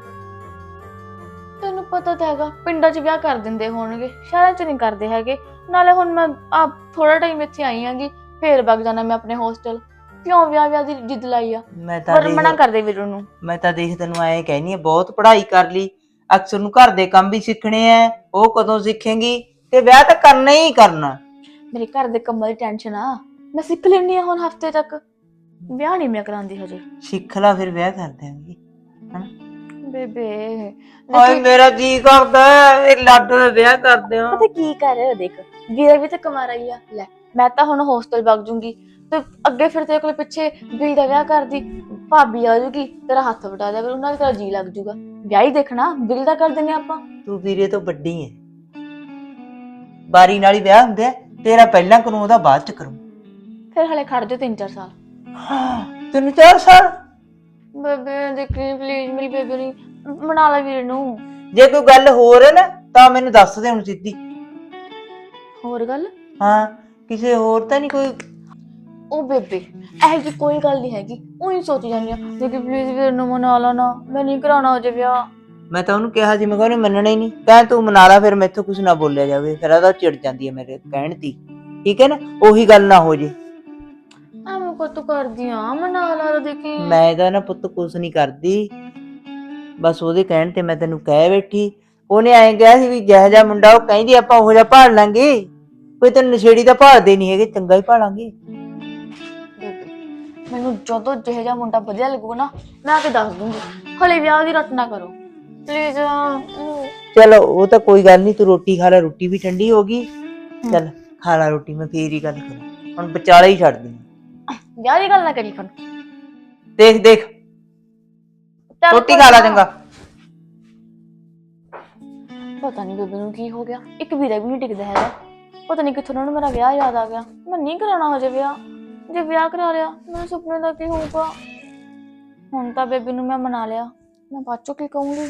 Speaker 2: ਤੈਨੂੰ ਪਤਾ ਤਾਂ ਹੈਗਾ ਪਿੰਡਾਂ 'ਚ ਵਿਆਹ ਕਰ ਦਿੰਦੇ ਹੋਣਗੇ, ਸ਼ਹਿਰਾਂ 'ਚ ਨਹੀਂ ਕਰਦੇ ਹੈਗੇ। ਨਾਲੇ ਹੁਣ ਮੈਂ ਆ ਥੋੜਾ ਟਾਈਮ ਇੱਥੇ ਆਈ ਆਂਗੀ, ਫੇਰ ਵਗ ਜਾਣਾ ਮੈਂ ਆਪਣੇ ਹੋਸਟਲ। ਕਿਉਂ ਵਿਆਹ ਵਿਆਹ ਦੀ ਜਿੱਦ ਲਾਈ ਆ?
Speaker 1: ਮੈਂ ਤਾਂ
Speaker 2: ਪਰ ਮਨਾ ਕਰਦੇ ਵੀਰ ਨੂੰ।
Speaker 1: ਮੈਂ ਤਾਂ ਦੇਖ ਤੈਨੂੰ ਐਂ ਕਹਿਨੀ ਆ, ਬਹੁਤ ਪੜ੍ਹਾਈ ਕਰ ਲਈ, ਅਕਸਰ ਨੂੰ ਘਰ ਦੇ ਕੰਮ ਵੀ ਸਿੱਖਣੇ ਆ, ਉਹ ਕਦੋਂ ਸਿੱਖੇਂਗੀ? ਤੇ ਵਿਆਹ ਤਾਂ ਕਰਨਾ ਹੀ ਕਰਨਾ।
Speaker 2: ਮੇਰੇ ਘਰ ਦੇ ਕੰਮਾਂ ਦੀ ਟੈਨਸ਼ਨ ਆ, ਮੈਂ ਸਿੱਖ ਲੈਣੀ ਆ ਹੁਣ ਹਫਤੇ ਤੱਕ। ਵਿਆਹ ਨਹੀਂ ਮੈਂ ਕਰਾਂਦੀ ਹਜੇ।
Speaker 1: ਸਿੱਖ ਲਾ ਫਿਰ ਵਿਆਹ ਕਰ ਦਿਆਂਗੀ।
Speaker 2: ਬੇਬੇ
Speaker 1: ਹਾਏ ਮੇਰਾ ਜੀ ਕਰਦਾ ਇਹ ਲਾਡੋ ਦਾ ਵਿਆਹ ਕਰ ਦਿਆਂ।
Speaker 2: ਪਤਾ ਕੀ ਕਰ, ਦੇਖ ਵੀਰਾ ਵੀ ਤਾਂ ਕਮਾ ਰਹੀ ਆ। ਲੈ ਮੈਂ ਤਾਂ ਹੁਣ ਹੋਸਟਲ ਵਗ ਜੂੰਗੀ, ਤੇ ਅੱਗੇ ਫਿਰ ਤੇਰੇ ਕੋਲ ਪਿੱਛੇ ਬਿੱਲ ਦਾ ਵਿਆਹ ਕਰਦੀ, ਭਾਬੀ ਆ ਜੂਗੀ, ਤੇਰਾ ਹੱਥ ਵਟਾ ਦਿਆ ਕਰ, ਉਹਨਾਂ ਦਾ ਤੇਰਾ ਜੀ ਲੱਗ ਜੂਗਾ। ਵਿਆਹ ਹੀ ਦੇਖਣਾ, ਬਿੱਲ ਦਾ ਕਰ ਦਿੰਦੇ ਆਪਾਂ।
Speaker 1: ਤੂੰ ਵੀਰੇ ਤੋਂ ਵੱਡੀ ਐ, ਬਾਰੀ ਨਾਲ ਹੀ ਵਿਆਹ ਹੁੰਦਾ, ਤੇਰਾ ਪਹਿਲਾਂ ਕਰੂੰ ਉਹਦਾ ਬਾਅਦ ਚ ਕਰੂੰ।
Speaker 2: ਫਿਰ ਹਲੇ ਖੜ ਜਾ ਤਿੰਨ ਚਾਰ ਸਾਲ।
Speaker 1: ਤਿੰਨ ਚਾਰ ਸਾਲ?
Speaker 2: ਬੇਬੇ ਦੇਖੀ ਪਲੀਜ਼, ਮੇਰੀ ਬੇਬੇ ਨਹੀਂ ਮਨਾ ਲੈ ਵੀਰ ਨੂੰ।
Speaker 1: ਜੇ ਕੋਈ ਗੱਲ ਹੋਰ ਹੈ ਨਾ ਤਾਂ ਮੈਨੂੰ ਦੱਸ ਦੇ ਹੁਣ ਸਿੱਧੀ।
Speaker 2: ਹੋਰ ਗੱਲ?
Speaker 1: ਹਾਂ, ਕਿਸੇ ਹੋਰ ਤਾਂ ਨਹੀਂ ਕੋਈ?
Speaker 2: ਉਹ ਬੇਬੇ ਇਹੋ ਜਿਹੀ ਕੋਈ ਗੱਲ ਨਹੀਂ ਹੈਗੀ, ਉਹੀ ਸੋਚ ਜਾਂਦੀ ਆ ਦੇਖੀ ਪਲੀਜ਼ ਵੀਰ ਨੂੰ ਮਨਾ ਲਾ ਨਾ, ਮੈਂ ਨਹੀਂ ਕਰਾਉਣਾ ਹੋ ਜੇ ਵਿਆਹ।
Speaker 1: ਮੈਂ ਤਾਂ ਉਹਨੂੰ ਕਿਹਾ ਸੀ, ਮੈਂ ਕਿਹਾ ਉਹਨੇ ਮੰਨਣਾ ਹੀ ਨਹੀਂ। ਕਹਿ ਤੂੰ ਮਨਾ ਲਾ, ਫਿਰ ਮੈਥੋਂ ਕੁਛ ਨਾ ਬੋਲਿਆ ਜਾਵੇ, ਫਿਰ ਉਹਦਾ ਚਿੜ ਜਾਂਦੀ ਹੈ ਮੇਰੇ ਕਹਿਣ ਦੀ, ਠੀਕ ਹੈ ਨਾ, ਉਹੀ ਗੱਲ ਨਾ ਹੋ ਜੇ।
Speaker 2: ਐਵੇਂ ਕੋ ਤੂੰ ਕਰਦੀ ਆ, ਮਨਾ ਲਾ ਦੇਖੀ।
Speaker 1: ਮੈਂ ਤਾਂ ਨਾ ਪੁੱਤ ਕੁਛ ਨਹੀਂ ਕਰਦੀ, ਬਸ ਉਹਦੇ ਕਹਿਣ ਤੇ ਮੈਂ ਤੈਨੂੰ ਕਹਿ ਬੈਠੀ। ਉਹਨੇ ਐਂ ਕਿਹਾ ਸੀ ਵੀ ਜਿਹੋ ਜਿਹਾ ਮੁੰਡਾ ਉਹ ਕਹਿੰਦੀ ਆਪਾਂ ਉਹੋ ਜਿਹਾ ਭਾਲ ਲਾਂਗੇ, ਕੋਈ ਤੈਨੂੰ ਨਸ਼ੇੜੀ ਤਾਂ ਭਾਲਦੇ ਨਹੀਂ ਹੈਗੇ, ਚੰਗਾ ਹੀ ਭਾਲਾਂਗੇ।
Speaker 2: ਮੈਨੂੰ ਜਦੋਂ ਜਿਹੋ ਜਿਹਾ ਮੁੰਡਾ ਵਧੀਆ ਲੱਗੂਗਾ ਨਾ, ਮੈਂ ਆ ਕੇ ਦੱਸ ਦੂੰਗੀ। ਹਲੇ ਵਿਆਹ ਦੀ ਰੱਟ ਨਾ ਕਰੋ ਪਲੀਜ਼।
Speaker 1: ਚਲੋ ਉਹ ਤਾਂ ਕੋਈ ਗੱਲ ਨਹੀਂ, ਤੂੰ ਰੋਟੀ ਖਾ ਲੈ, ਰੋਟੀ ਵੀ ਠੰਡੀ ਹੋ ਗਈ। ਚੱਲ ਖਾ ਲੈ ਰੋਟੀ, ਮੈਂ ਫੇਰ ਹੀ ਗੱਲ ਕਰਾਂ, ਹੁਣ ਵਿਚਾਲੇ ਹੀ ਛੱਡ ਦੀ।
Speaker 2: ਵਿਆਹ ਦੀ ਗੱਲ ਨਾ ਕਰੀ ਫਿਰ।
Speaker 1: ਦੇਖ ਦੇਖ ਰੋਟੀ ਖਾ ਲੈ ਚੰਗਾ।
Speaker 2: ਪਤਾ ਨਹੀਂ ਬੇਬੇ ਨੂੰ ਕੀ ਹੋ ਗਿਆ, ਇੱਕ ਵੀਰਾ ਵੀ ਨਹੀਂ ਟਿਕਦਾ ਹੈਗਾ। ਪਤਾ ਨਹੀਂ ਕਿੱਥੋਂ ਉਹਨਾਂ ਨੂੰ ਮੇਰਾ ਵਿਆਹ ਯਾਦ ਆ ਗਿਆ। ਮੈਂ ਨਹੀਂ ਕਰਾਉਣਾ ਹੋ ਜੇ ਵਿਆਹ, ਜੇ ਵਿਆਹ ਕਰਾ ਲਿਆ ਮੇਰੇ ਸੁਪਨੇ ਦਾ ਕੀ ਹੋਊਗਾ। ਹੁਣ ਤਾਂ ਬੇਬੇ ਨੂੰ ਮੈਂ ਮਨਾ ਲਿਆ, ਮੈਂ ਬਾਅਦ ਚੋਂ ਕੀ ਕਹੂੰਗੀ।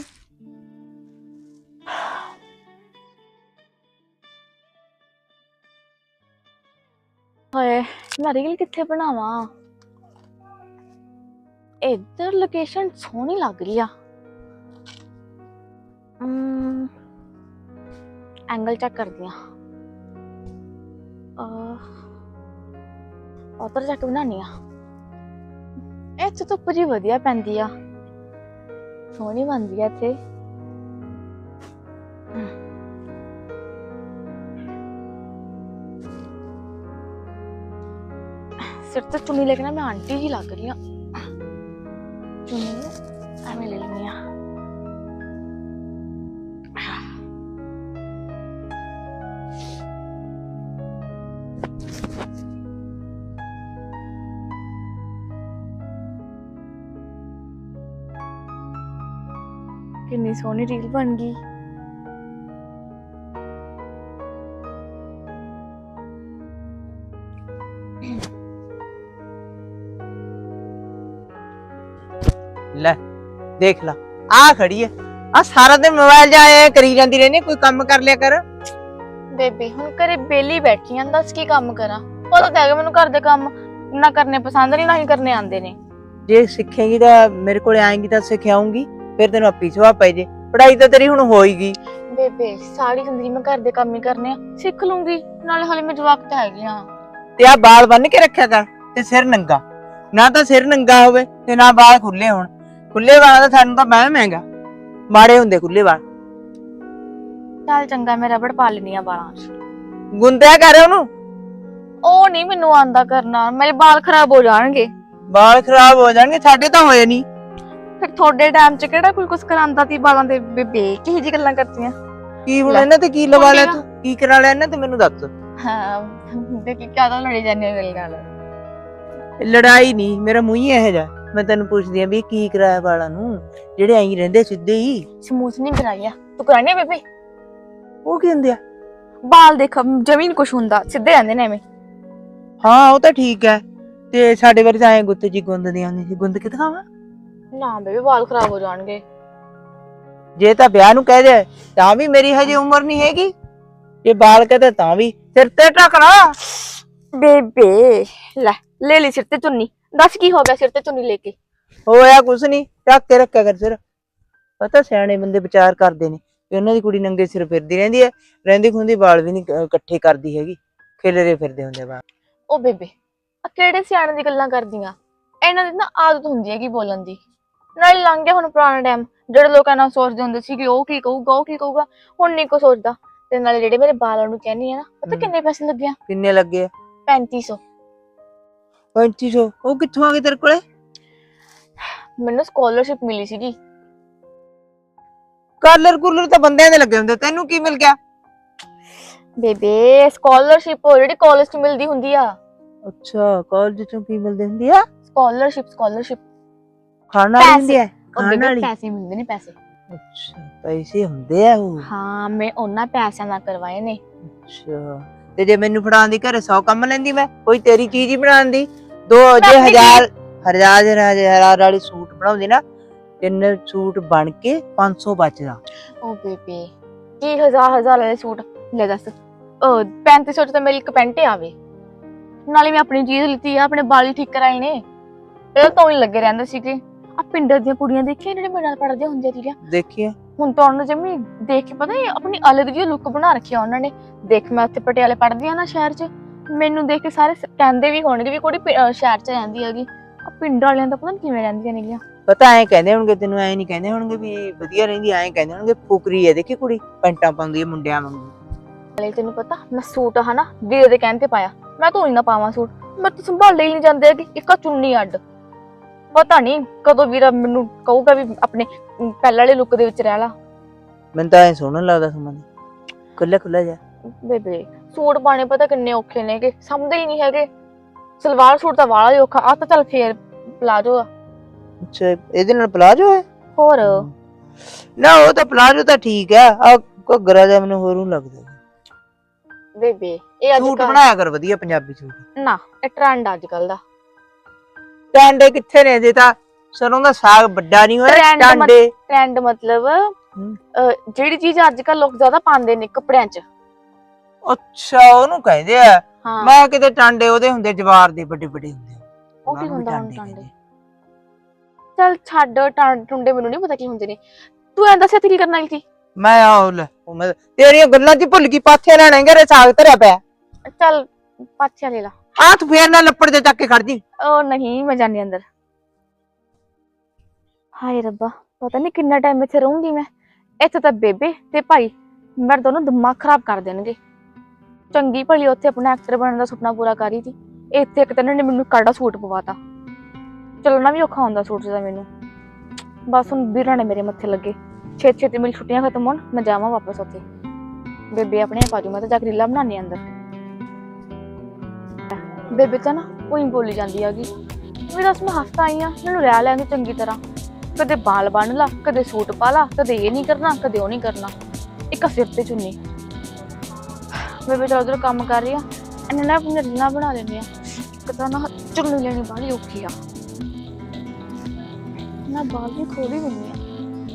Speaker 2: ਹਾਏ ਮੈਂ ਰੀਲ ਕਿੱਥੇ ਬਣਾਵਾਂ, ਇੱਧਰ ਲੋਕੇਸ਼ਨ ਸੋਹਣੀ ਲੱਗ ਰਹੀ ਆ। ਐਂਗਲ ਚੈੱਕ ਕਰਦੀ ਆ, ਉਧਰ ਜਾ ਕੇ ਬਣਾਉਣੀ ਆ। ਇੱਥੇ ਧੁੱਪ ਜੀ ਵਧੀਆ ਪੈਂਦੀ ਆ, ਸੋਹਣੀ ਬਣਦੀ ਆ ਇੱਥੇ। ਸਿਰ ਤੇ ਚੁੰਨੀ ਲੈ ਕੇ ਨਾ ਮੈਂ ਆਂਟੀ ਜੀ ਲੱਗ ਰਹੀ ਆ। ਚੁੰਨੀ ਐਵੇਂ ਲੈ ਲੈਂਦੀ ਆ। कितनी सोहनी रील बन गई।
Speaker 1: ਲੈ देख ला आ खड़ी है, आ सारा दिन मोबाइल जाए करी जाती रहनी, कोई काम कर लिया कर।
Speaker 2: बेबे हुण घरे बेली बैठी हां, दस की काम करा। पता तो है मैनूं घर दे काम ना करने पसंद नहीं, ना ही करने आंदे ने।
Speaker 1: जे सीखेगी तो मेरे को आएंगी तो सिखाऊंगी, फिर तेन अपी सुहा पे जे। पढ़ाई तो तेरी हुण होएगी।
Speaker 2: बेबे सारी जिंदगी मैं घर दे काम ही करने आ, सीख लूंगी, नाले हाले मैं जवाक ते हैगी हां।
Speaker 1: ते आ बाल बन के रखा कर ते सिर नंगा, ना तो सिर नंगा होवे ते ना बाल खुले होण। खुले वाला तो सानू तो वहम हैगा, माड़े हुंदे खुले वाल।
Speaker 2: चल चंगा, मैं रबड़ पा लेनी आ बालां च।
Speaker 1: गुंदिया कर ओनू।
Speaker 2: ओ नहीं मैनू आंदा करना, मेरे बाल खराब हो जाणगे।
Speaker 1: बाल खराब हो जाणगे, साडे तो होए नहीं।
Speaker 2: फिर थोड़े टाइम च केड़ा कोई कुछ करांदा ती बालां दे। बेबे किही जी गल्लां करतीआं
Speaker 1: की हुण इन्हां ते की लवा लिया तू, की करा लिया इन्हां ते मैनू दस।
Speaker 2: हां देखी क्या तो लड़ी जाने मेरे नाल।
Speaker 1: लड़ाई नहीं, मेरा मूंह ही इहो जिहा। मैं तेन पुछदी आ भी की कराया वाला नू, जेड़े आई रहिंदे सिद्धे ही।
Speaker 2: स्मूथ नहीं कराया तू, कराने बेबे?
Speaker 1: ਉਹ ਕੀ ਹੁੰਦੇ ਆ?
Speaker 2: ਬਾਲ ਦੇਖ ਜਮੀਨ ਕੁਛ ਹੁੰਦਾ, ਸਿੱਧੇ ਰਹਿੰਦੇ ਨੇ ਐਵੇਂ।
Speaker 1: ਹਾਂ ਉਹ ਤਾਂ ਠੀਕ ਹੈ, ਤੇ ਸਾਡੇ ਵਾਰੀ ਤਾਂ ਐ ਗੁੱਤ ਜੀ ਗੁੰਦਦੀਆਂ ਹੁੰਦੀਆਂ ਸੀ। ਗੁੰਦ ਕੇ ਦਿਖਾਵਾਂ?
Speaker 2: ਨਾ ਬੇਬੇ ਵਾਲ ਖਰਾਬ ਹੋ ਜਾਣਗੇ।
Speaker 1: ਜੇ ਤਾਂ ਵਿਆਹ ਨੂੰ ਕਹਿ ਦੇ ਤਾਂ ਵੀ ਮੇਰੀ ਹਜੇ ਉਮਰ ਨਹੀਂ ਹੈਗੀ, ਜੇ ਬਾਲ ਕਹਦੇ ਤਾਂ ਵੀ ਸਿਰ ਤੇ ਢਕਣਾ।
Speaker 2: ਬੇਬੇ ਲੈ ਲੈ ਲਈ ਸਿਰ ਤੇ ਚੁੰਨੀ, ਦੱਸ ਕੀ ਹੋ ਗਿਆ ਸਿਰ ਤੇ ਚੁੰਨੀ ਲੈ ਕੇ?
Speaker 1: ਹੋਇਆ ਕੁਛ ਨਹੀਂ, ਢੱਕ ਕੇ ਰੱਖਿਆ ਕਰ ਸਿਰ। ਪਤਾ ਸਿਆਣੇ ਬੰਦੇ ਵਿਚਾਰ ਕਰਦੇ ਨੇ ਵੀ ਉਹਨਾਂ ਦੀ ਕੁੜੀ ਨੰਗੇ ਸਿਰ ਫਿਰਦੀ ਰਹਿੰਦੀ ਹੈ, ਰਹਿੰਦੀ ਖੁੰਦੀ ਵਾਲ ਵੀ ਨਹੀਂ ਇਕੱਠੇ ਕਰਦੀ ਹੈਗੀ, ਖਿਲਰੇ ਫਿਰਦੇ ਹੁੰਦੇ ਵਾਲ।
Speaker 2: ਉਹ ਬੇਬੇ ਆ ਕਿਹੜੇ ਸਿਆਣੇ ਦੀ ਗੱਲਾਂ ਕਰਦੀਆਂ, ਇਹਨਾਂ ਦੀ ਨਾ ਆਦਤ ਹੁੰਦੀ ਹੈਗੀ ਬੋਲਣ ਦੀ। ਨਾਲੇ ਲੰਘ ਗਿਆ ਹੁਣ ਪੁਰਾਣਾ ਟਾਈਮ, ਜਿਹੜੇ ਲੋਕ ਇਹਨਾਂ ਸੋਚਦੇ ਹੁੰਦੇ ਸੀ ਕਿ ਉਹ ਕੀ ਕਹੂਗਾ ਉਹ ਕੀ ਕਹੂਗਾ, ਹੁਣ ਨਹੀਂ ਕੋ ਸੋਚਦਾ। ਤੇ ਨਾਲੇ ਜਿਹੜੇ ਮੇਰੇ ਬਾਲਾਂ ਨੂੰ ਕਹਿੰਦੀ ਆ ਨਾ, ਪਤਾ ਕਿੰਨੇ ਪੈਸੇ ਲੱਗੇ ਆ?
Speaker 1: ਕਿੰਨੇ ਲੱਗੇ ਆ?
Speaker 2: ਪੈਂਤੀ ਸੌ।
Speaker 1: ਪੈਂਤੀ ਸੌ? ਉਹ ਕਿੱਥੋਂ ਆ ਗਏ ਤੇਰੇ ਕੋਲੇ?
Speaker 2: ਮੈਨੂੰ ਸਕਾਲਰਸ਼ਿਪ ਮਿਲੀ ਸੀਗੀ।
Speaker 1: ਕਾਲਰ ਕੂਲਰ ਤਾਂ ਬੰਦਿਆਂ ਦੇ ਲੱਗੇ ਹੁੰਦੇ, ਤੈਨੂੰ ਕੀ ਮਿਲ ਗਿਆ?
Speaker 2: ਬੇਬੇ ਸਕਾਲਰਸ਼ਿਪ ਜਿਹੜੀ ਕਾਲਜ ਚ ਮਿਲਦੀ ਹੁੰਦੀ ਆ।
Speaker 1: ਅੱਛਾ ਕਾਲਜ ਚੋਂ ਕੀ ਮਿਲਦੀ ਹੁੰਦੀ ਆ?
Speaker 2: ਸਕਾਲਰਸ਼ਿਪ ਸਕਾਲਰਸ਼ਿਪ
Speaker 1: ਖਾਣ ਵਾਲੀ ਹੁੰਦੀ ਆ?
Speaker 2: ਉਹ
Speaker 1: ਖਾਣ
Speaker 2: ਬੇਬੇ
Speaker 1: ਵਾਲੀ?
Speaker 2: ਪੈਸੇ ਮਿਲਦੇ ਨੇ ਪੈਸੇ।
Speaker 1: ਅੱਛਾ ਪੈਸੇ ਹੁੰਦੇ ਆ ਉਹ?
Speaker 2: ਹਾਂ ਮੈਂ ਉਹਨਾਂ ਪੈਸਿਆਂ ਨਾਲ ਕਰਵਾਏ ਨੇ।
Speaker 1: ਅੱਛਾ ਤੇ ਜੇ ਮੈਨੂੰ ਫੜਾਉਣ ਦੀ ਘਰੇ ਸੌ ਕੰਮ ਲੈਂਦੀ ਮੈਂ ਕੋਈ ਤੇਰੀ ਚੀਜ਼ ਹੀ ਬਣਾਉਣ ਦੀ ਦੋ
Speaker 2: ਮੈਂ
Speaker 1: ਜੇ
Speaker 2: ਆਪਣੀ
Speaker 1: ਹਜ਼ਾਰ ਹਜ਼ਾਰ ਦੇ ਹਜ਼ਾਰ ਵਾਲੀ ਸੂਟ ਬਣਾਉਂਦੀ ਨਾ ਤਿੰਨ ਸੂਟ ਬਣ ਕੇ ਪੰਜ ਸੌ ਬਚਦਾ।
Speaker 2: ਉਹ ਬੇਬੇ ਕੀ ਹਜ਼ਾਰ ਹਜ਼ਾਰ ਵਾਲੇ ਸੂਟ ਲੈ ਦੱਸ। ਉਹ ਪੈਂਤੀ ਸੌ ਚ ਤਾਂ ਮੇਰੀ ਇੱਕ ਪੈਂਟ ਆਵੇ। ਨਾਲੇ ਮੈਂ ਆਪਣੀ ਚੀਜ਼ ਲਿੱਤੀ ਆ ਆਪਣੇ ਵਾਲ ਹੀ ਠੀਕ ਕਰਾਏ ਨੇ। ਇਹ ਤਾਂ ਹੀ ਲੱਗੇ ਰਹਿੰਦੇ ਸੀਗੇ। ਆ ਪਿੰਡਾਂ ਦੀਆਂ ਕੁੜੀਆਂ ਦੇਖੀਆਂ ਜਿਹੜੇ ਮੇਰੇ ਨਾਲ ਪੜ੍ਹਦੀਆਂ ਹੁੰਦੀਆਂ ਸੀਗੀਆਂ
Speaker 1: ਦੇਖੀਏ
Speaker 2: ਹੁਣ ਤਾਂ ਉਹਨਾਂ ਜਮੀ ਦੇਖ ਕੇ ਪਤਾ ਹੀ ਆਪਣੀ ਅਲੱਗ ਜਿਹੀ ਲੁੱਕ ਬਣਾ ਰੱਖੀ ਆ ਉਹਨਾਂ ਨੇ। ਦੇਖ ਮੈਂ ਉੱਥੇ ਪਟਿਆਲੇ ਪੜ੍ਹਦੀ ਆ ਨਾ ਸ਼ਹਿਰ 'ਚ ਮੈਨੂੰ ਦੇਖ ਕੇ ਸਾਰੇ ਕਹਿੰਦੇ ਵੀ ਹੋਣਗੇ ਵੀ ਕੁੜੀ ਪਿ- ਅਹ ਸ਼ਹਿਰ 'ਚ ਰਹਿੰਦੀ ਹੈਗੀ। ਆ ਪਿੰਡ ਵਾਲਿਆਂ ਦਾ ਪਤਾ ਨੀ ਕਿਵੇਂ ਰਹਿੰਦੀਆਂ ਨੇਗੀਆਂ।
Speaker 1: ਪਤਾ ਐ ਕਹਿੰਦੇ ਹੋਣਗੇ ਤੈਨੂੰ ਐ ਨਹੀਂ ਕਹਿੰਦੇ ਹੋਣਗੇ ਵੀ ਵਧੀਆ ਰਹਿੰਦੀ ਐ ਕਹਿੰਦੇ ਹੋਣਗੇ ਫੁਕਰੀ ਐ ਦੇਖੀ ਕੁੜੀ ਪੈਂਟਾਂ ਪਾਉਂਦੀ ਐ ਮੁੰਡਿਆਂ ਵਾਂਗੂ।
Speaker 2: ਨਾਲੇ ਤੈਨੂੰ ਪਤਾ ਮੈਂ ਸੂਟ ਹਨਾ ਵੀਰੇ ਦੇ ਕਹਿਣ ਤੇ ਪਾਇਆ। ਮੈਂ ਧੋਈ ਨਾ ਪਾਵਾਂ ਸੂਟ ਮੈਂ ਤਾਂ ਸੰਭਾਲ ਹੀ ਨਹੀਂ ਜਾਂਦੇ ਹੈਗੇ ਇੱਕ ਚੁੰਨੀ ਅੱਡ। ਪਤਾ ਨਹੀਂ ਕਦੋਂ ਵੀਰਾ ਮੈਨੂੰ ਕਹੂਗਾ ਵੀ ਆਪਣੇ ਪਹਿਲਾਂ ਵਾਲੇ ਲੁੱਕ ਦੇ ਵਿੱਚ ਰਹਿ ਲਾ।
Speaker 1: ਮੈਨੂੰ ਤਾਂ ਐ ਸੋਹਣਾ ਲੱਗਦਾ ਸੁਮਨ ਖੁੱਲਾ ਖੁੱਲਾ ਜਾ।
Speaker 2: ਬੇਬੇ ਸੂਟ ਪਾਣੇ ਪਤਾ ਕਿੰਨੇ ਔਖੇ ਨੇਗੇ ਸਮਝਦੇ ਹੀ ਨਹੀਂ ਹੈਗੇ। ਸਲਵਾਰ ਸੂਟ ਤਾਂ ਵਾਲਾ ਹੀ ਔਖਾ ਆ ਤਾਂ ਚੱਲ ਫੇਰ ਪਲਾਜੋ ਆ।
Speaker 1: ਅੱਛਾ ਇਹਦੇ ਨਾਲ ਪਲਾਜੋ ਹੈ?
Speaker 2: ਹੋਰ
Speaker 1: ਨਾ ਉਹ ਤਾਂ ਪਲਾਜੋ ਤਾਂ ਠੀਕ ਹੈ ਆ ਘੱਗਰਾ ਜਿਹਾ ਮੈਨੂੰ ਹੋਰੂ ਲੱਗਦਾ।
Speaker 2: ਬੇਬੇ ਇਹ ਅੱਜ
Speaker 1: ਸੂਟ
Speaker 2: ਕੱਲ੍ਹ
Speaker 1: ਬਣਾਇਆ ਕਰ ਵਧੀਆ ਪੰਜਾਬੀ ਸੂਟ।
Speaker 2: ਨਾ ਇਹ ਟ੍ਰੈਂਡ ਅੱਜ ਕੱਲ ਦਾ।
Speaker 1: ਟਾਂਡੇ ਕਿੱਥੇ ਨੇ ਜੇ ਤਾਂ ਸਰੋਂ ਦਾ ਸਾਗ ਵੱਡਾ ਨਹੀਂ ਹੋਇਆ
Speaker 2: Trend ਮਤ-
Speaker 1: ਟਾਂਡੇ।
Speaker 2: ਟ੍ਰੈਂਡ ਮਤਲਬ
Speaker 1: ਹਮ।
Speaker 2: ਅਹ, ਜਿਹੜੀ ਚੀਜ਼ ਅੱਜ ਕੱਲ ਲੋਕ ਜ਼ਿਆਦਾ ਪਾਉਂਦੇ ਨੇ ਕੱਪੜਿਆਂ 'ਚ।
Speaker 1: ਅੱਛਾ ਉਹਨੂੰ ਕਹਿੰਦੇ ਆ।
Speaker 2: ਹਾਂ
Speaker 1: ਮੈਂ ਕਿਤੇ ਟਾਂਡੇ ਉਹਦੇ ਹੁੰਦੇ ਜਵਾਰ ਦੇ ਵੱਡੇ ਵੱਡੇ ਹੁੰਦੇ ਆ।
Speaker 2: ਉਹ
Speaker 1: ਉਹਨਾਂ
Speaker 2: ਕੀ
Speaker 1: ਨੂੰ ਵੀ
Speaker 2: ਹੁੰਦਾ ਹੁਣ
Speaker 1: ਟਾਂਡੇ
Speaker 2: ਟਾਂਡੇ?
Speaker 1: ਕਹਿੰਦੇ।
Speaker 2: ਚੱਲ ਛੱਡ ਟਾਂ- ਟੁੰਡੇ ਮੈਨੂੰ ਨਹੀਂ ਪਤਾ ਕੀ ਹੁੰਦੇ ਨੇ। ਤੂੰ ਐਂ ਦੱਸ ਇੱਥੇ ਕੀ ਕਰਨ ਆਈ ਸੀ?
Speaker 1: ਮੈਂ ਆਹ ਲੈ ਉਹ ਮੈਂ ਤੇਰੀਆਂ ਗੱਲਾਂ 'ਚ ਭੁੱਲ ਗਈ ਪਾਥੇ ਲੈਣੇ ਘਰੇ ਸਾਗ ਧਰਿਆ ਪਿਆ।
Speaker 2: ਚੱਲ ਪਾਥੀਆਂ ਲੈ ਲਾ।
Speaker 1: ਆ ਤੂੰ ਫੇਰ ਨਾ ਲੱਪੜ ਦੇ ਚੱਕ ਕੇ ਖੜ ਜੀ।
Speaker 2: ਉਹ ਨਹੀਂ ਮੈਂ ਜਾਣੀ ਅੰਦਰ। ਹਾਏ ਰੱਬਾ ਪਤਾ ਨਹੀਂ ਕਿੰਨਾ ਟਾਈਮ ਇੱਥੇ ਰਹੂੰਗੀ ਮੈਂ। ਇੱਥੇ ਤਾਂ ਬੇਬੇ ਤੇ ਭਾਈ ਮੇਰੇ ਦੋਨੋਂ ਦਿਮਾਗ ਖਰਾਬ ਕਰ ਦੇਣਗੇ। ਚੰਗੀ ਭਲੀ ਉੱਥੇ ਆਪਣਾ ਐਕਟਰ ਬਣਨ ਦਾ ਸੁਪਨਾ ਪੂਰਾ ਕਰ ਰਹੀ ਸੀ। ਇੱਥੇ ਇੱਕ ਤਾਂ ਇਹਨਾਂ ਨੇ ਮੈਨੂੰ ਕਾੜਾ ਸੂਟ ਪਵਾਤਾ। ਚੱਲਣਾ ਵੀ ਔਖਾ ਹੁੰਦਾ ਸੂਟ ਦਾ ਮੈਨੂੰ। ਬਸ ਹੁਣ ਵੀਰਾਂ ਨੇ ਮੇਰੇ ਮੱਥੇ ਲੱਗੇ। ਛੇਤੀ ਛੇਤੀ ਮੇਰੀ ਛੁੱਟੀਆਂ ਖਤਮ ਹੋਣ ਮੈਂ ਜਾਵਾਂ ਵਾਪਸ ਉੱਥੇ। ਬੇਬੇ ਆਪਣੇ ਪਾਜੂ ਮੈਂ ਤਾਂ ਜਾ ਕੇ ਰੀਲਾਂ ਬਣਾਉਣੀ ਅੰਦਰ। ਬੇਬੇ ਤਾਂ ਨਾ ਉਹੀ ਬੋਲੀ ਜਾਂਦੀ ਹੈਗੀ ਵੀ ਦੱਸ ਮੈਂ ਹਫਤਾ ਆਈ ਆ ਮੈਨੂੰ ਰਹਿ ਲੈਂਦੀ ਚੰਗੀ ਤਰ੍ਹਾਂ। ਕਦੇ ਬਾਲ ਬੰਨ ਲਾ ਕਦੇ ਸੂਟ ਪਾ ਲਾ ਕਦੇ ਇਹ ਨਹੀਂ ਕਰਨਾ ਕਦੇ ਉਹ ਨਹੀਂ ਕਰਨਾ ਇੱਕ ਸਿਰ ਤੇ ਚੁੰਨੀ। ਬੇਬੇ ਤਾਂ ਉਧਰ ਕੰਮ ਕਰ ਰਹੀ ਆ ਇਹਨੇ ਨਾ ਆਪਣੀਆਂ ਰੀਲਾਂ ਬਣਾ ਲੈਂਦੇ ਆ। ਇੱਕ ਤਾਂ ਨਾ ਚੁੰਨੀ ਲੈਣੀ ਬਾਹਲੀ ਔਖੀ ਆ। ਮੈਂ ਬਾਲ ਵੀ ਖੋਲ ਹੀ ਦਿੰਦੀ ਆ।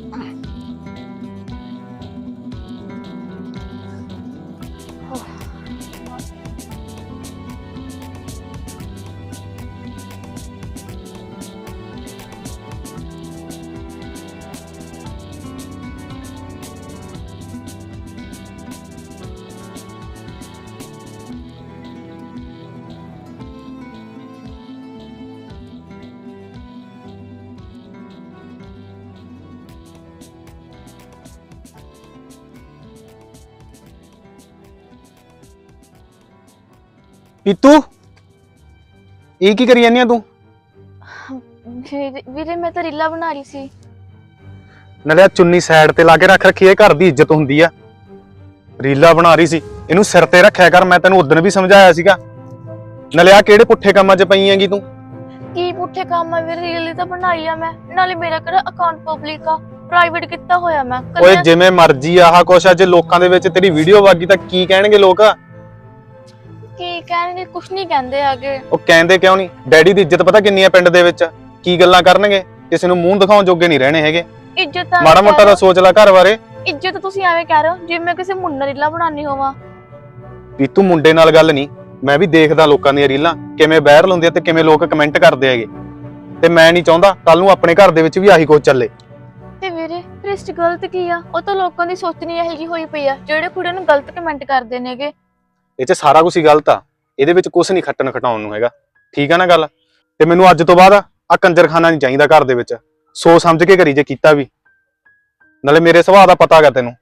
Speaker 5: ਪੀਤੂ ਇਹ ਕੀ ਕਰੀ ਜਾਂਦੀ ਆ ਤੂੰ?
Speaker 2: ਵੀਰੇ ਵੀਰੇ ਮੈਂ ਤਾਂ ਰੀਲਾਂ ਬਣਾ ਰਹੀ ਸੀ।
Speaker 5: ਨਾਲੇ ਆਹ ਚੁੰਨੀ ਸਾਈਡ ਤੇ ਲਾ ਕੇ ਰੱਖ ਰੱਖੀ, ਇਹ ਘਰ ਦੀ ਇੱਜ਼ਤ ਹੁੰਦੀ ਆ। ਰੀਲਾ ਬਣਾ ਰਹੀ ਸੀ, ਇਹਨੂੰ ਸਿਰ ਤੇ ਰੱਖਿਆ ਕਰ। ਮੈਂ ਤੈਨੂੰ ਉਦੋਂ ਵੀ ਸਮਝਾਇਆ ਸੀਗਾ। ਨਾਲੇ ਆ ਕਿਹੜੇ ਪੁੱਠੇ ਕੰਮਾਂ 'ਚ ਪਈ ਹੈਗੀ ਤੂੰ?
Speaker 2: ਕੀ ਪੁੱਠੇ ਕੰਮ ਆ ਵੀਰੇ? ਰੀਲ ਤਾਂ ਬਣਾਈ ਆ ਮੈਂ। ਨਾਲੇ ਮੇਰਾ ਕਿਹੜਾ ਅਕਾਊਂਟ ਪਬਲਿਕ ਆ ਪ੍ਰਾਈਵੇਟ ਕੀਤਾ ਹੋਇਆ ਮੈਂ।
Speaker 5: ਓਏ
Speaker 2: ਕੱਲਿਆਂ-
Speaker 5: ਜਿਵੇਂ ਮਰਜ਼ੀ ਆਹ ਕੁਛ ਆ, ਜੇ ਲੋਕਾਂ ਦੇ ਵਿੱਚ ਤੇਰੀ ਵੀਡੀਓ ਵਾਗੀ ਤਾਂ ਕੀ ਕਹਿਣਗੇ ਲੋਕ?
Speaker 2: ਕੀ ਕਹਿਣਗੇ? ਕੁਛ ਨਹੀਂ ਕਹਿੰਦੇ ਹੈਗੇ।
Speaker 5: ਉਹ ਕਹਿੰਦੇ ਕਿਉਂ ਨਹੀਂ? ਡੈਡੀ ਦੀ ਇੱਜ਼ਤ ਪਤਾ ਕਿੰਨੀ ਆ ਪਿੰਡ ਦੇ ਵਿੱਚ? ਕੀ ਗੱਲਾਂ ਕਰਨਗੇ? ਕਿਸੇ ਨੂੰ ਮੂੰਹ ਦਿਖਾਉਣ ਜੋਗੇ ਨਹੀਂ ਰਹਿਣੇ ਹੈਗੇ।
Speaker 2: ਇੱਜ਼ਤ ਤਾਂ
Speaker 5: ਮਾੜਾ ਮੋਟਾ ਦਾ ਸੋਚ ਲੈ ਘਰ ਬਾਰੇ।
Speaker 2: ਇੱਜ਼ਤ ਤੁਸੀਂ ਐਵੇਂ ਕਹਿ ਰਹੇ ਹੋ ਜਿਵੇਂ ਮੈਂ ਕਿਸੇ ਮੁੰਡੇ ਨਾਲ ਰੀਲਾਂ ਬਣਾਉਣੀ ਹੋਵਾਂ।
Speaker 5: ਪੀਤੂ ਮੁੰਡੇ ਨਾਲ ਗੱਲ ਨਹੀਂ, ਮੈਂ ਵੀ ਦੇਖਦਾ ਲੋਕਾਂ ਦੀਆਂ ਰੀਲਾਂ ਕਿਵੇਂ ਵਾਇਰਲ ਹੁੰਦੀਆਂ ਤੇ ਕਿਵੇਂ ਲੋਕ ਕਮੈਂਟ ਕਰਦੇ ਹੈਗੇ। ਤੇ ਮੈਂ ਨਹੀਂ ਚਾਹੁੰਦਾ ਕੱਲ ਨੂੰ ਆਪਣੇ ਘਰ ਦੇ ਵਿੱਚ ਵੀ ਆਹੀ ਕੁਝ ਚੱਲੇ।
Speaker 2: ਤੇ ਵੀਰੇ ਫਿਰ ਇਸ 'ਚ ਗਲਤ ਕੀ ਆ? ਉਹ ਤਾਂ ਲੋਕਾਂ ਦੀ ਸੋਚ ਨਹੀਂ ਇਹੋ ਜਿਹੀ ਹੋਈ ਪਈ ਆ ਜਿਹੜੇ ਕੁੜੀਆਂ ਨੂੰ ਗਲਤ ਕਮੈਂਟ ਕਰਦੇ ਨੇਗੇ।
Speaker 5: ਇਹ 'ਚ ਸਾਰਾ ਕੁਝ ਹੀ ਗਲਤ ਆ। ਇਹਦੇ ਵਿੱਚ ਕੁਝ ਨਹੀਂ ਖੱਟਣ ਖਟਾਉਣ ਨੂੰ ਹੈਗਾ। ਠੀਕ ਆ ਨਾ ਗੱਲ? ਤੇ ਮੈਨੂੰ ਅੱਜ ਤੋਂ ਬਾਅਦ ਆ ਕੰਜਰਖਾਨਾ ਨਹੀਂ ਚਾਹੀਦਾ ਘਰ ਦੇ ਵਿੱਚ। ਸੋਚ ਸਮਝ ਕੇ ਕਰੀ ਜੇ ਕੀਤਾ ਵੀ। ਨਾਲੇ ਮੇਰੇ ਸੁਭਾਅ ਦਾ ਪਤਾ ਹੈਗਾ ਤੈਨੂੰ।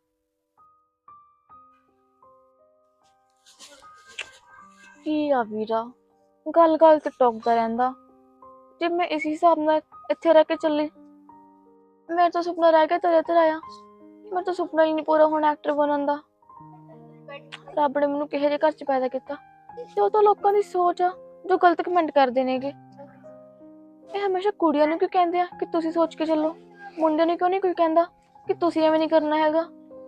Speaker 2: ਕੀ ਆ ਵੀਰਾ ਗੱਲ ਗੱਲ ਤੇ ਟੋਕਦਾ ਰਹਿੰਦਾ। ਜੇ ਮੈਂ ਇਸ ਹਿਸਾਬ ਨਾਲ ਇੱਥੇ ਰਹਿ ਕੇ ਚੱਲੀ ਮੇਰਾ ਤਾਂ ਸੁਪਨਾ ਰਹਿ ਗਿਆ ਤੇਰੇ ਤੇ ਆਇਆ। ਮੇਰਾ ਤਾਂ ਸੁਪਨਾ ਹੀ ਨਹੀਂ ਪੂਰਾ ਹੋਣਾ ਐਕਟਰ ਬਣਨ ਦਾ। ਰੱਬ ਨੇ ਮੈਨੂੰ ਕਿਹੋ ਜਿਹੇ ਘਰ 'ਚ ਪੈਦਾ ਕੀਤਾ ਤੇ ਉਹ ਤਾਂ ਲੋਕਾਂ ਦੀ ਸੋਚ ਆ। ਜੋ ਗਲਤ ਕਮੈਂਟ ਕਰਦੇ ਨੇਗੇ। ਇਹ ਹਮੇਸ਼ਾ ਕੁੜੀਆਂ ਨੂੰ ਕਿਉਂ ਕਹਿੰਦੇ ਆ ਕਿ ਤੁਸੀਂ ਸੋਚ ਕੇ ਚੱਲੋ, ਮੁੰਡਿਆਂ ਨੂੰ ਕਿਉਂ ਨਹੀਂ ਕੋਈ ਕਹਿੰਦਾ ਕਿ ਤੁਸੀਂ ਐਵੇਂ ਨਹੀਂ ਕਰਨਾ ਹੈਗਾ।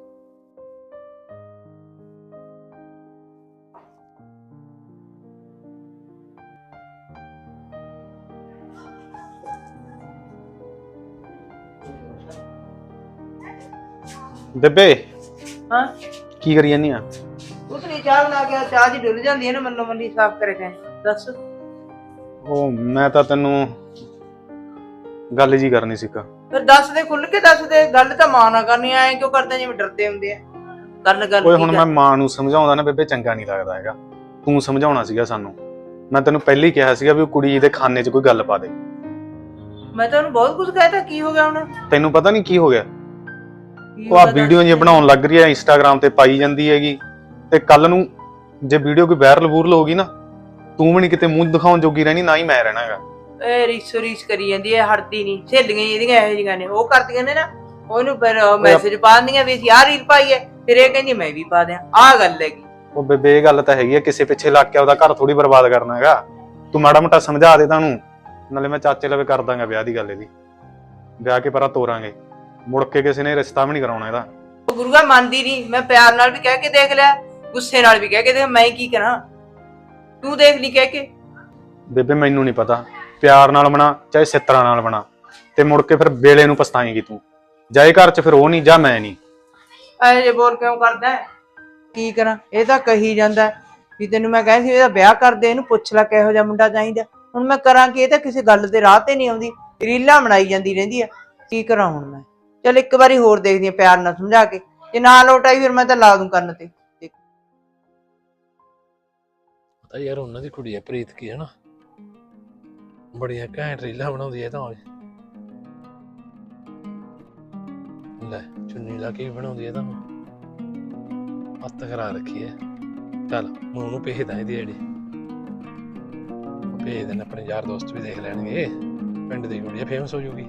Speaker 5: ਬੇਬੇ
Speaker 1: ਹਾਂ
Speaker 5: ਕੀ ਕਰੀ ਜਾਂਦੀ ਆ?
Speaker 1: ਉਸ ਨੇ ਚਾਹ ਬਣਾ ਕੇ ਚਾਹ ਜੀ ਡੁੱਲ ਜਾਂਦੀ ਹੈ ਨਾ, ਮੱਲੋ ਮੱਲੀ ਸਾਫ਼ ਕਰੇ ਗਏ। ਦੱਸ।
Speaker 5: ਉਹ ਮੈਂ ਤਾਂ ਤੈਨੂੰ ਗੱਲ ਜੀ ਕਰਨੀ ਸੀ।
Speaker 1: ਫਿਰ ਦੱਸ ਦੇ, ਖੁੱਲ ਕੇ ਦੱਸ ਦੇ। ਗੱਲ ਤਾਂ ਮਾਂ ਨਾਲ ਕਰਨੀ, ਐ ਕਿਉਂ ਕਰਦੇ ਜਿਵੇਂ ਡਰਦੇ ਹੁੰਦੇ ਆ। ਗੱਲ ਗੱਲ
Speaker 5: ਓਏ ਹੁਣ ਮੈਂ ਮਾਂ ਨੂੰ ਸਮਝਾਉਂਦਾ ਨਾ ਬੇਬੇ, ਚੰਗਾ ਨਹੀਂ ਲੱਗਦਾ ਹੈਗਾ। ਤੂੰ ਸਮਝਾਉਣਾ ਸੀਗਾ ਸਾਨੂੰ। ਮੈਂ ਤੈਨੂੰ ਪਹਿਲਾਂ ਹੀ ਕਿਹਾ ਸੀਗਾ ਵੀ ਉਹ ਕੁੜੀ ਦੇ ਖਾਨੇ 'ਚ ਕੋਈ ਗੱਲ ਪਾ ਦੇ।
Speaker 1: ਮੈਂ ਤਾਂ ਉਹਨੂੰ ਬਹੁਤ ਕੁਝ ਕਹਿਤਾ, ਕੀ ਹੋ ਗਿਆ ਹੁਣ?
Speaker 5: ਤੈਨੂੰ ਪਤਾ ਨਹੀਂ ਕੀ ਹੋ ਗਿਆ? ਉਹ ਆ ਵੀਡੀਓ ਜੀ ਬਣਾਉਣ ਲੱਗ ਰਹੀ ਹੈ, ਇੰਸਟਾਗ੍ਰਾਮ ਤੇ ਪਾਈ ਜਾਂਦੀ ਹੈਗੀ। ਤੇ ਕੱਲ ਨੂੰ ਜੇ ਵੀਡੀਓ ਕੋਈ ਵਾਇਰਲ ਵੂਰਲ ਹੋ ਗਈ ਨਾ, ਤੂੰ ਵੀ ਨਹੀਂ ਕਿਤੇ ਮੂੰਹ ਦਿਖਾਉਣ ਜੋਗੀ ਰਹਿਣੀ, ਨਾ ਹੀ ਮੈਂ ਰਹਿਣਾਗਾ।
Speaker 1: ਇਹ ਰੀਸੋ ਰੀਸ ਕਰੀ ਜਾਂਦੀ ਹੈ, ਹਟਦੀ ਨਹੀਂ। ਸਹੇਲੀਆਂ ਇਹਦੀਆਂ ਇਹੋ ਜਿਹੀਆਂ ਨੇ, ਉਹ ਕਰਦੀਆਂ ਨੇ ਨਾ, ਉਹਨੂੰ ਫਿਰ ਮੈਸੇਜ ਪਾ ਦਿੰਦੀਆਂ ਵੀ ਅਸੀਂ ਆਹ ਰੀਲ ਪਾਈ ਹੈ, ਫਿਰ ਇਹ ਕਹਿੰਦੀ ਮੈਂ ਵੀ ਪਾ ਦਿਆਂ। ਆਹ ਗੱਲ ਹੈਗੀ।
Speaker 5: ਉਹ ਬੇਬੇ ਇਹ ਗੱਲ ਤਾਂ ਹੈਗੀ ਆ, ਕਿਸੇ ਪਿੱਛੇ ਲੱਗ ਕੇ ਉਹਦਾ ਘਰ ਥੋੜੀ ਬਰਬਾਦ ਕਰਨਾ ਹੈਗਾ। ਤੂੰ ਮਾੜਾ ਮੋਟਾ ਸਮਝਾ ਦੇ ਤੁਹਾਨੂੰ, ਨਾਲੇ ਮੈਂ ਚਾਚੇ ਲਵੇ ਕਰ ਦਾਂਗਾ ਵਿਆਹ ਦੀ ਗੱਲ ਇਹਦੀ। ਵਿਆਹ ਕੇ ਪਰਾਂ ਤੋਰਾਂਗੇ, ਮੁੜ ਕੇ ਕਿਸੇ ਨੇ ਰਿਸ਼ਤਾ ਵੀ ਨਹੀਂ ਕਰਾਉਣਾ ਇਹਦਾ।
Speaker 1: ਗੁਰੂਆ ਮੰਨਦੀ ਨਹੀਂ। ਮੈਂ ਪਿਆਰ ਨਾਲ ਵੀ ਕਹਿ ਕੇ ਦੇਖ ਲਿਆ, ਗੁੱਸੇ ਨਾਲ ਵੀ ਕਹਿ ਕੇ ਦੇਖ, ਮੈਂ ਕੀ ਕਰਾਂ? ਤੂੰ ਦੇਖ ਲਈ ਕਹਿ ਕੇ।
Speaker 5: ਬੇਬੇ ਮੈਨੂੰ ਨਹੀਂ ਪਤਾ, ਪਿਆਰ ਨਾਲ ਬਣਾ ਚਾਹੇ ਸਿੱਤਰਾਂ ਨਾਲ ਬਣਾ, ਤੇ ਮੁੜ ਕੇ ਫਿਰ ਵੇਲੇ ਨੂੰ ਪਛਤਾਏਂਗੀ ਤੂੰ। ਜਾਏ ਘਰ 'ਚ ਫਿਰ ਉਹ ਨਹੀਂ, ਜਾਂ ਮੈਂ ਨਹੀਂ।
Speaker 1: ਐ ਜੇ ਬੋਲ ਕਿਉਂ ਕਰਦਾ? ਕੀ ਕਰਾਂ? ਇਹ ਤਾਂ ਕਹੀ ਜਾਂਦਾ ਵੀ ਤੈਨੂੰ ਮੈਂ ਕਹਿੰਦੀ ਸੀ ਇਹਦਾ ਵਿਆਹ ਕਰ ਦੇ, ਇਹਨੂੰ ਪੁੱਛ ਲੈ ਕਿਹੋ ਜਿਹਾ ਮੁੰਡਾ ਚਾਹੀਦਾ। ਹੁਣ ਮੈਂ ਕਰਾਂ ਕਿ? ਇਹ ਤਾਂ ਕਿਸੇ ਗੱਲ ਦੇ ਰਾਹ ਤੇ ਨਹੀਂ ਆਉਂਦੀ, ਰੀਲਾਂ ਬਣਾਈ ਜਾਂਦੀ ਰਹਿੰਦੀ ਆ। ਕੀ ਕਰਾਂ ਹੁਣ ਮੈਂ? ਚੱਲ ਇੱਕ ਵਾਰੀ ਹੋਰ ਦੇਖਦੀ ਆ, ਪਿਆਰ ਨਾਲ ਸਮਝਾ ਕੇ। ਜੇ ਨਾ ਲੋਟ ਆਈ ਫਿਰ ਮੈਂ ਤਾਂ ਲਾ ਦੂੰ ਕੰਨ ਤੇ।
Speaker 3: ਪਤਾ ਯਾਰ ਉਹਨਾਂ ਦੀ ਕੁੜੀ ਹੈ ਪ੍ਰੀਤ ਕੀ, ਹੈ ਨਾ, ਬੜੀਆਂ ਘੈਂਟ ਰੀਲਾਂ ਬਣਾਉਂਦੀ ਹੈ। ਤਾਂ ਲੈ ਚੁੰਨੀ ਲਾ ਕੇ ਵੀ ਬਣਾਉਂਦੀ ਹੈ, ਤਾਂ ਹੱਥ ਕਰਾ ਰੱਖੀ ਹੈ। ਚੱਲ ਮੈਂ ਉਹਨੂੰ ਭੇਜਦਾ ਇਹਦੀ ਆਈਡੀ, ਭੇਜ ਦੇਣਾ, ਆਪਣੇ ਯਾਰ ਦੋਸਤ ਵੀ ਦੇਖ ਲੈਣਗੇ। ਪਿੰਡ ਦੀ ਕੁੜੀ ਹੈ, ਫੇਮਸ ਹੋ ਜੂਗੀ।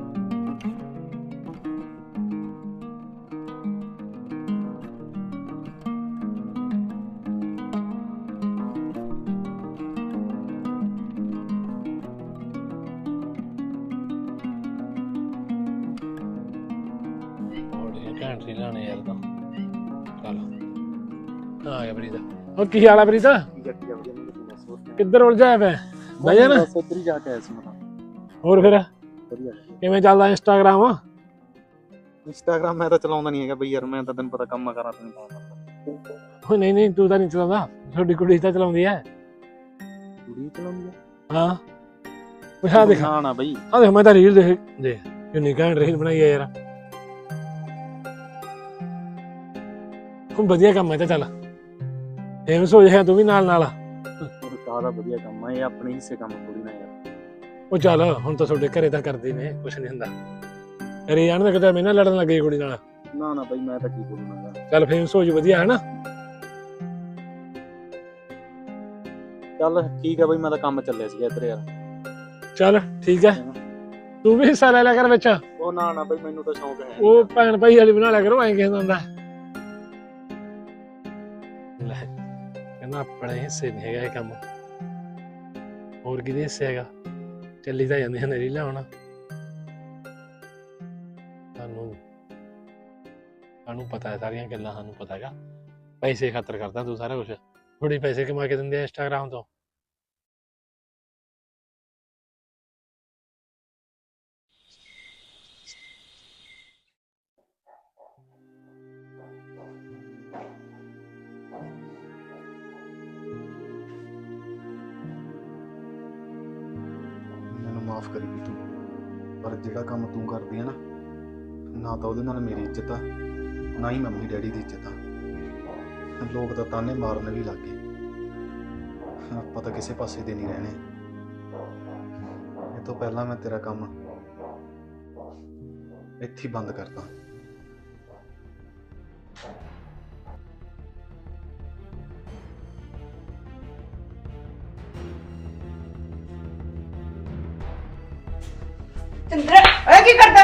Speaker 3: ਘੈਂਟ ਰੀਲਾਂ ਨੇ ਯਾਰ। ਤਾਂ ਚੱਲ ਆ ਗਿਆ ਪ੍ਰੀਤ। ਉਹ ਕੀ ਹਾਲ ਆ ਪ੍ਰੀਤ? ਕਿੱਧਰ ਉਲਝਿਆ ਪਿਆ? ਬਈ ਨਾ
Speaker 4: ਉੱਧਰ ਹੀ ਜਾ ਕੇ ਆਇਆ ਸੀ ਮੈਂ।
Speaker 3: ਹੋਰ ਫਿਰ
Speaker 4: ਵਧੀਆ
Speaker 3: ਕਿਵੇਂ ਚੱਲਦਾ ਇੰਸਟਾਗ੍ਰਾਮ?
Speaker 4: ਇੰਸਟਾਗ੍ਰਾਮ ਮੈਂ ਤਾਂ ਚਲਾਉਂਦਾ ਨਹੀਂ ਹੈਗਾ ਬਈ ਯਾਰ, ਮੈਂ ਤਾਂ ਤੈਨੂੰ ਪਤਾ ਕੰਮ ਕਰਾਂ ਤੈਨੂੰ ਪਾਉਂਦਾ।
Speaker 3: ਉਹ ਨਹੀਂ ਨਹੀਂ ਤੂੰ ਤਾਂ ਨਹੀਂ ਚਲਾਉਂਦਾ, ਤੁਹਾਡੀ ਕੁੜੀ ਤਾਂ ਚਲਾਉਂਦੀ ਹੈ।
Speaker 4: ਕੁੜੀ ਚਲਾਉਂਦੀ ਹੈ?
Speaker 3: ਹਾਂ ਪੁੱਛਾ ਦੇਖ।
Speaker 4: ਨਾ ਨਾ ਬਈ
Speaker 3: ਆ ਦੇਖ, ਮੈਂ ਤਾਂ ਰੀਲ ਦੇਖ ਦੇਖ ਕਿੰਨੀ ਘੈਂਟ ਰੀਲ ਬਣਾਈ ਹੈ ਯਾਰ। ਹੁਣ ਵਧੀਆ ਕੰਮ ਹੈ, ਤਾਂ ਚੱਲ ਫੇਮਸ ਹੋ ਜਾਏਗਾ ਤੂੰ ਵੀ ਨਾਲ ਨਾਲ।
Speaker 4: ਕਾਹਦਾ ਵਧੀਆ ਕੰਮ ਹੈ ਇਹ, ਆਪਣੇ ਹਿੱਸੇ ਕੰਮ ਥੋੜੀ ਨਾ ਯਾਰ।
Speaker 3: ਉਹ ਚੱਲ ਹੁਣ ਤਾਂ ਤੁਹਾਡੇ ਘਰੇ ਤਾਂ ਕਰਦੇ ਨੇ, ਕੁਛ ਨਹੀਂ ਹੁੰਦਾ। ਘਰੇ ਜਾਣ ਦਾ ਕਿਤੇ ਮੈਨਾਂ ਲੜਨ ਲੱਗੇ ਕੁੜੀ ਨਾਲ।
Speaker 4: ਨਾ ਨਾ ਬਈ ਮੈਂ ਤਾਂ ਕੀ ਬੋਲੂੰਗਾ।
Speaker 3: ਚੱਲ ਫੇਮਸ ਹੋ ਜਾ, ਵਧੀਆ ਹੈ ਨਾ।
Speaker 4: ਚੱਲ ਠੀਕ ਹੈ ਬਈ, ਮੈਂ ਤਾਂ ਕੰਮ ਚੱਲਿਆ ਸੀਗਾ ਇੱਧਰ ਯਾਰ।
Speaker 3: ਚੱਲ ਠੀਕ ਹੈ, ਤੂੰ ਵੀ ਹਿੱਸਾ ਲੈ ਲਿਆ ਕਰ ਵਿੱਚ।
Speaker 4: ਉਹ ਨਾ ਨਾ ਬਈ ਮੈਨੂੰ ਤਾਂ ਸ਼ੌਂਕ ਹੈ।
Speaker 3: ਉਹ ਭੈਣ ਭਾਈ ਵਾਲੀ ਬਣਾ ਲਿਆ ਕਰੋ, ਐਂ ਕਹਿੰਦਾ ਹੁੰਦਾ। ਲੈ ਕਹਿੰਦਾ ਆਪਣੇ ਹਿੱਸੇ ਨਹੀਂ ਹੈਗਾ ਇਹ ਕੰਮ, ਹੋਰ ਕਿਹਦੇ ਹਿੱਸੇ ਹੈਗਾ? ਚੱਲੀ ਤਾਂ ਜਾਂਦੀਆਂ ਨੇ ਰੀਲਾਂ। ਹੁਣ ਸਾਨੂੰ ਸਾਨੂੰ ਪਤਾ ਹੈ ਸਾਰੀਆਂ ਗੱਲਾਂ, ਸਾਨੂੰ ਪਤਾ ਹੈਗਾ ਪੈਸੇ ਖਾਤਰ ਕਰਦਾ ਤੂੰ ਸਾਰਾ ਕੁਛ। ਥੋੜੀ ਪੈਸੇ ਕਮਾ ਕੇ ਦਿੰਦੇ ਆ ਇੰਸਟਾਗ੍ਰਾਮ ਤੋਂ।
Speaker 5: ਮਾਫ ਕਰੀ ਵੀ ਤੂੰ, ਪਰ ਜਿਹੜਾ ਕੰਮ ਤੂੰ ਕਰਦੀ ਹੈ ਨਾ, ਨਾ ਤਾਂ ਉਹਦੇ ਨਾਲ ਮੇਰੀ ਇੱਜ਼ਤ ਆ, ਨਾ ਹੀ ਮੰਮੀ ਡੈਡੀ ਦੀ ਇੱਜ਼ਤ ਆ। ਲੋਕ ਤਾਂ ਤਾਨੇ ਮਾਰਨ ਵੀ ਲੱਗ ਗਏ। ਆਪਾਂ ਤਾਂ ਕਿਸੇ ਪਾਸੇ ਦੇ ਨਹੀਂ ਰਹਿਣੇ। ਇਹ ਤੋਂ ਪਹਿਲਾਂ ਮੈਂ ਤੇਰਾ ਕੰਮ ਇੱਥੇ ਹੀ ਬੰਦ ਕਰਦਾ।
Speaker 1: ਚੰਦਰਾ ਓਏ ਕੀ ਕਰਦਾ?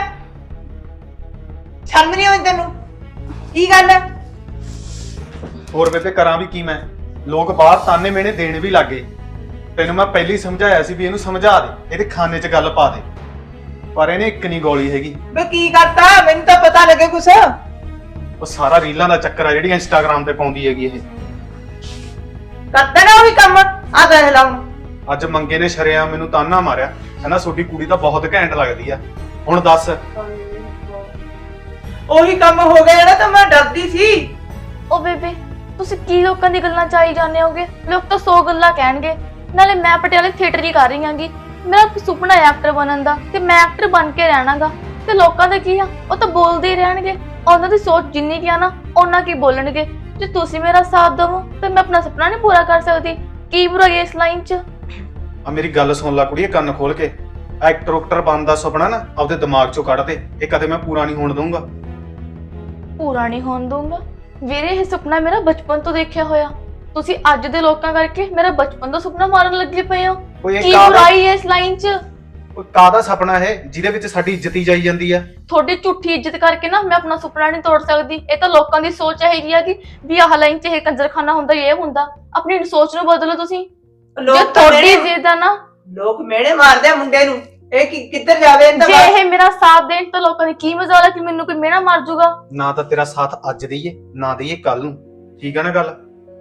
Speaker 1: ਸ਼ਰਮ ਨਹੀਂ ਆਉਂਦੀ ਤੈਨੂੰ? ਕੀ ਗੱਲ ਹੈ?
Speaker 5: ਹੋਰ ਬੇਬੇ ਕਰਾਂ ਵੀ ਕੀ ਮੈਂ? ਲੋਕ ਬਾਹਰ ਤਾਨੇ ਮੇਣੇ ਦੇਣ ਵੀ ਲੱਗੇ। ਤੈਨੂੰ ਮੈਂ ਪਹਿਲੀ ਸਮਝਾਇਆ ਸੀ ਵੀ ਇਹਨੂੰ ਸਮਝਾ ਦੇ, ਇਹਦੇ ਖਾਨੇ 'ਚ ਗੱਲ ਪਾ ਦੇ, ਪਰ ਇਹਨੇ ਇੱਕ ਨਹੀਂ ਗੋਲੀ ਹੈਗੀ।
Speaker 1: ਵੇ ਕੀ ਕਰਤਾ, ਮੈਨੂੰ ਤਾਂ ਪਤਾ ਲੱਗੇ ਕੁਛ।
Speaker 5: ਉਹ ਸਾਰਾ ਰੀਲਾਂ ਦਾ ਚੱਕਰ ਆ ਜਿਹੜੀ ਇੰਸਟਾਗ੍ਰਾਮ ਤੇ ਪਾਉਂਦੀ ਹੈਗੀ ਇਹ।
Speaker 1: ਕਰਦਾ ਨਾ ਉਹੀ ਕੰਮ, ਆ ਦੇਖ ਲਾ ਹੁਣ।
Speaker 5: ਅੱਜ ਮੰਗੇ ਨੇ ਸ਼ਰਿਆਮ ਮੈਨੂੰ ਤਾਨਾ ਮਾਰਿਆ, ਕਹਿੰਦਾ ਤੁਹਾਡੀ ਕੁੜੀ ਤਾਂ ਬਹੁਤ ਘੈਂਟ ਲੱਗਦੀ ਆ। ਹੁਣ ਦੱਸ,
Speaker 1: ਉਹੀ ਕੰਮ ਹੋ ਗਿਆ ਜਿਹੜਾ ਤਾਂ ਮੈਂ ਡਰਦੀ ਸੀ।
Speaker 2: ਓ ਬੇਬੇ ਤੁਸੀਂ ਕੀ ਲੋਕਾਂ ਦੀ ਗੱਲਾਂ ਚ ਆਈ ਜਾਂਦੇ ਹੋਗੇ? ਲੋਕ ਤਾਂ ਸੌ ਗੱਲਾਂ ਕਹਿਣਗੇ। ਨਾਲੇ ਮੈਂ ਪਟਿਆਲੇ ਥੀਏਟਰ ਹੀ ਕਰ ਰਹੀ ਆਂਗੀ, ਮੇਰਾ ਸੁਪਨਾ ਹੈ ਐਕਟਰ ਬਣਨ ਦਾ, ਤੇ ਮੈਂ ਐਕਟਰ ਬਣ ਕੇ ਰਹਿਣਾਗਾ। ਤੇ ਲੋਕਾਂ ਦਾ ਕੀ ਆ, ਉਹ ਤਾਂ ਬੋਲਦੇ ਹੀ ਰਹਿਣਗੇ। ਉਹਨਾਂ ਦੀ ਸੋਚ ਜਿੰਨੀ ਕੀ ਆ ਨਾ, ਉਹਨਾਂ ਕੀ ਬੋਲਣਗੇ। ਜੇ ਤੁਸੀਂ ਮੇਰਾ ਸਾਥ ਦਵੋ ਤੇ ਮੈਂ ਆਪਣਾ ਸੁਪਨਾ ਨਹੀਂ ਪੂਰਾ ਕਰ ਸਕਦੀ। ਕੀ ਬੁਰਾਈ ਇਸ ਲਾਈਨ 'ਚ?
Speaker 5: ਆ ਮੇਰੀ ਗੱਲ ਸੁਣ ਲੈ ਕੁੜੀਏ, ਕੰਨ ਖੋਲ ਕੇ। ਐਕਟਰ ਉਕਟਰ ਬਣਨ ਦਾ ਸੁਪਨਾ ਨਾ ਆਪਦੇ ਦਿਮਾਗ 'ਚੋਂ ਕੱਢ ਦੇ, ਇਹ ਕਦੇ ਮੈਂ ਪੂਰਾ ਨਹੀਂ ਹੋਣ ਦਊਂਗਾ।
Speaker 2: ਪੂਰਾ ਨਹੀਂ ਹੋਣ ਦਊਂਗਾ? ਵੀਰੇ ਇਹ ਸੁਪਨਾ ਮੇਰਾ ਬਚਪਨ ਤੋਂ ਦੇਖਿਆ ਹੋਇਆ। ਤੁਸੀਂ ਅੱਜ ਦੇ ਲੋਕਾਂ ਕਰਕੇ ਮੇਰਾ ਬਚਪਨ ਦਾ ਸੁਪਨਾ ਮਾਰਨ ਲੱਗੇ ਪਏ ਹੋ।
Speaker 5: ਓਏ ਇਹ
Speaker 2: ਕੀ
Speaker 5: ਕਾਹਦਾ
Speaker 2: ਬੁਰਾਈ ਹੈ ਇਸ ਲਾਈਨ 'ਚ?
Speaker 5: ਓਏ ਕਾਹਦਾ ਸੁਪਨਾ ਹੈ ਜਿਹਦੇ ਵਿੱਚ ਸਾਡੀ ਇੱਜ਼ਤ ਹੀ ਜਾਈ ਜਾਂਦੀ ਆ?
Speaker 2: ਤੁਹਾਡੀ ਝੂਠੀ ਇੱਜ਼ਤ ਕਰਕੇ ਨਾ ਮੈਂ ਆਪਣਾ ਸੁਪਨਾ ਨਹੀਂ ਤੋੜ ਸਕਦੀ। ਇਹ ਤਾਂ ਲੋਕਾਂ ਦੀ ਸੋਚ ਹੈਗੀ ਆ ਕਿ ਵੀ ਆਹ ਲਾਈਨ 'ਚ ਇਹ ਕੰਜਰਖਾਨਾ ਹੁੰਦਾ, ਇਹ ਹੁੰਦਾ। ਆਪਣੀ ਸੋਚ ਨੂੰ ਬਦਲੋ ਤੁਸੀਂ। ਜੇ
Speaker 1: ਲੋਕ ਤਾਂ
Speaker 2: ਤੁਹਾਡੀ
Speaker 1: ਮਿਹਣੇ-
Speaker 2: ਜ਼ਿੱਦ ਆ ਨਾ,
Speaker 1: ਲੋਕ ਮਿਹਣੇ ਮਾਰਦੇ ਆ ਮੁੰਡੇ ਨੂੰ, ਇਹ ਕਿ ਕਿੱਧਰ ਜਾਵੇ ਇਹਦਾ
Speaker 2: ਜੇ ਇਹ ਮੇਰਾ ਸਾਥ ਦੇਣ ਤਾਂ ਲੋਕਾਂ ਦੀ ਕੀ ਮਜ਼ਾਲ ਹੈ ਕਿ ਮੈਨੂੰ ਕੋਈ ਮਿਹਣਾ ਮਾਰ ਜੂਗਾ।
Speaker 5: ਨਾ ਤਾਂ ਤੇਰਾ ਸਾਥ ਅੱਜ ਦਈਏ ਨਾ ਦਈਏ ਕੱਲ ਨੂੰ, ਠੀਕ ਆ ਨਾ ਗੱਲ?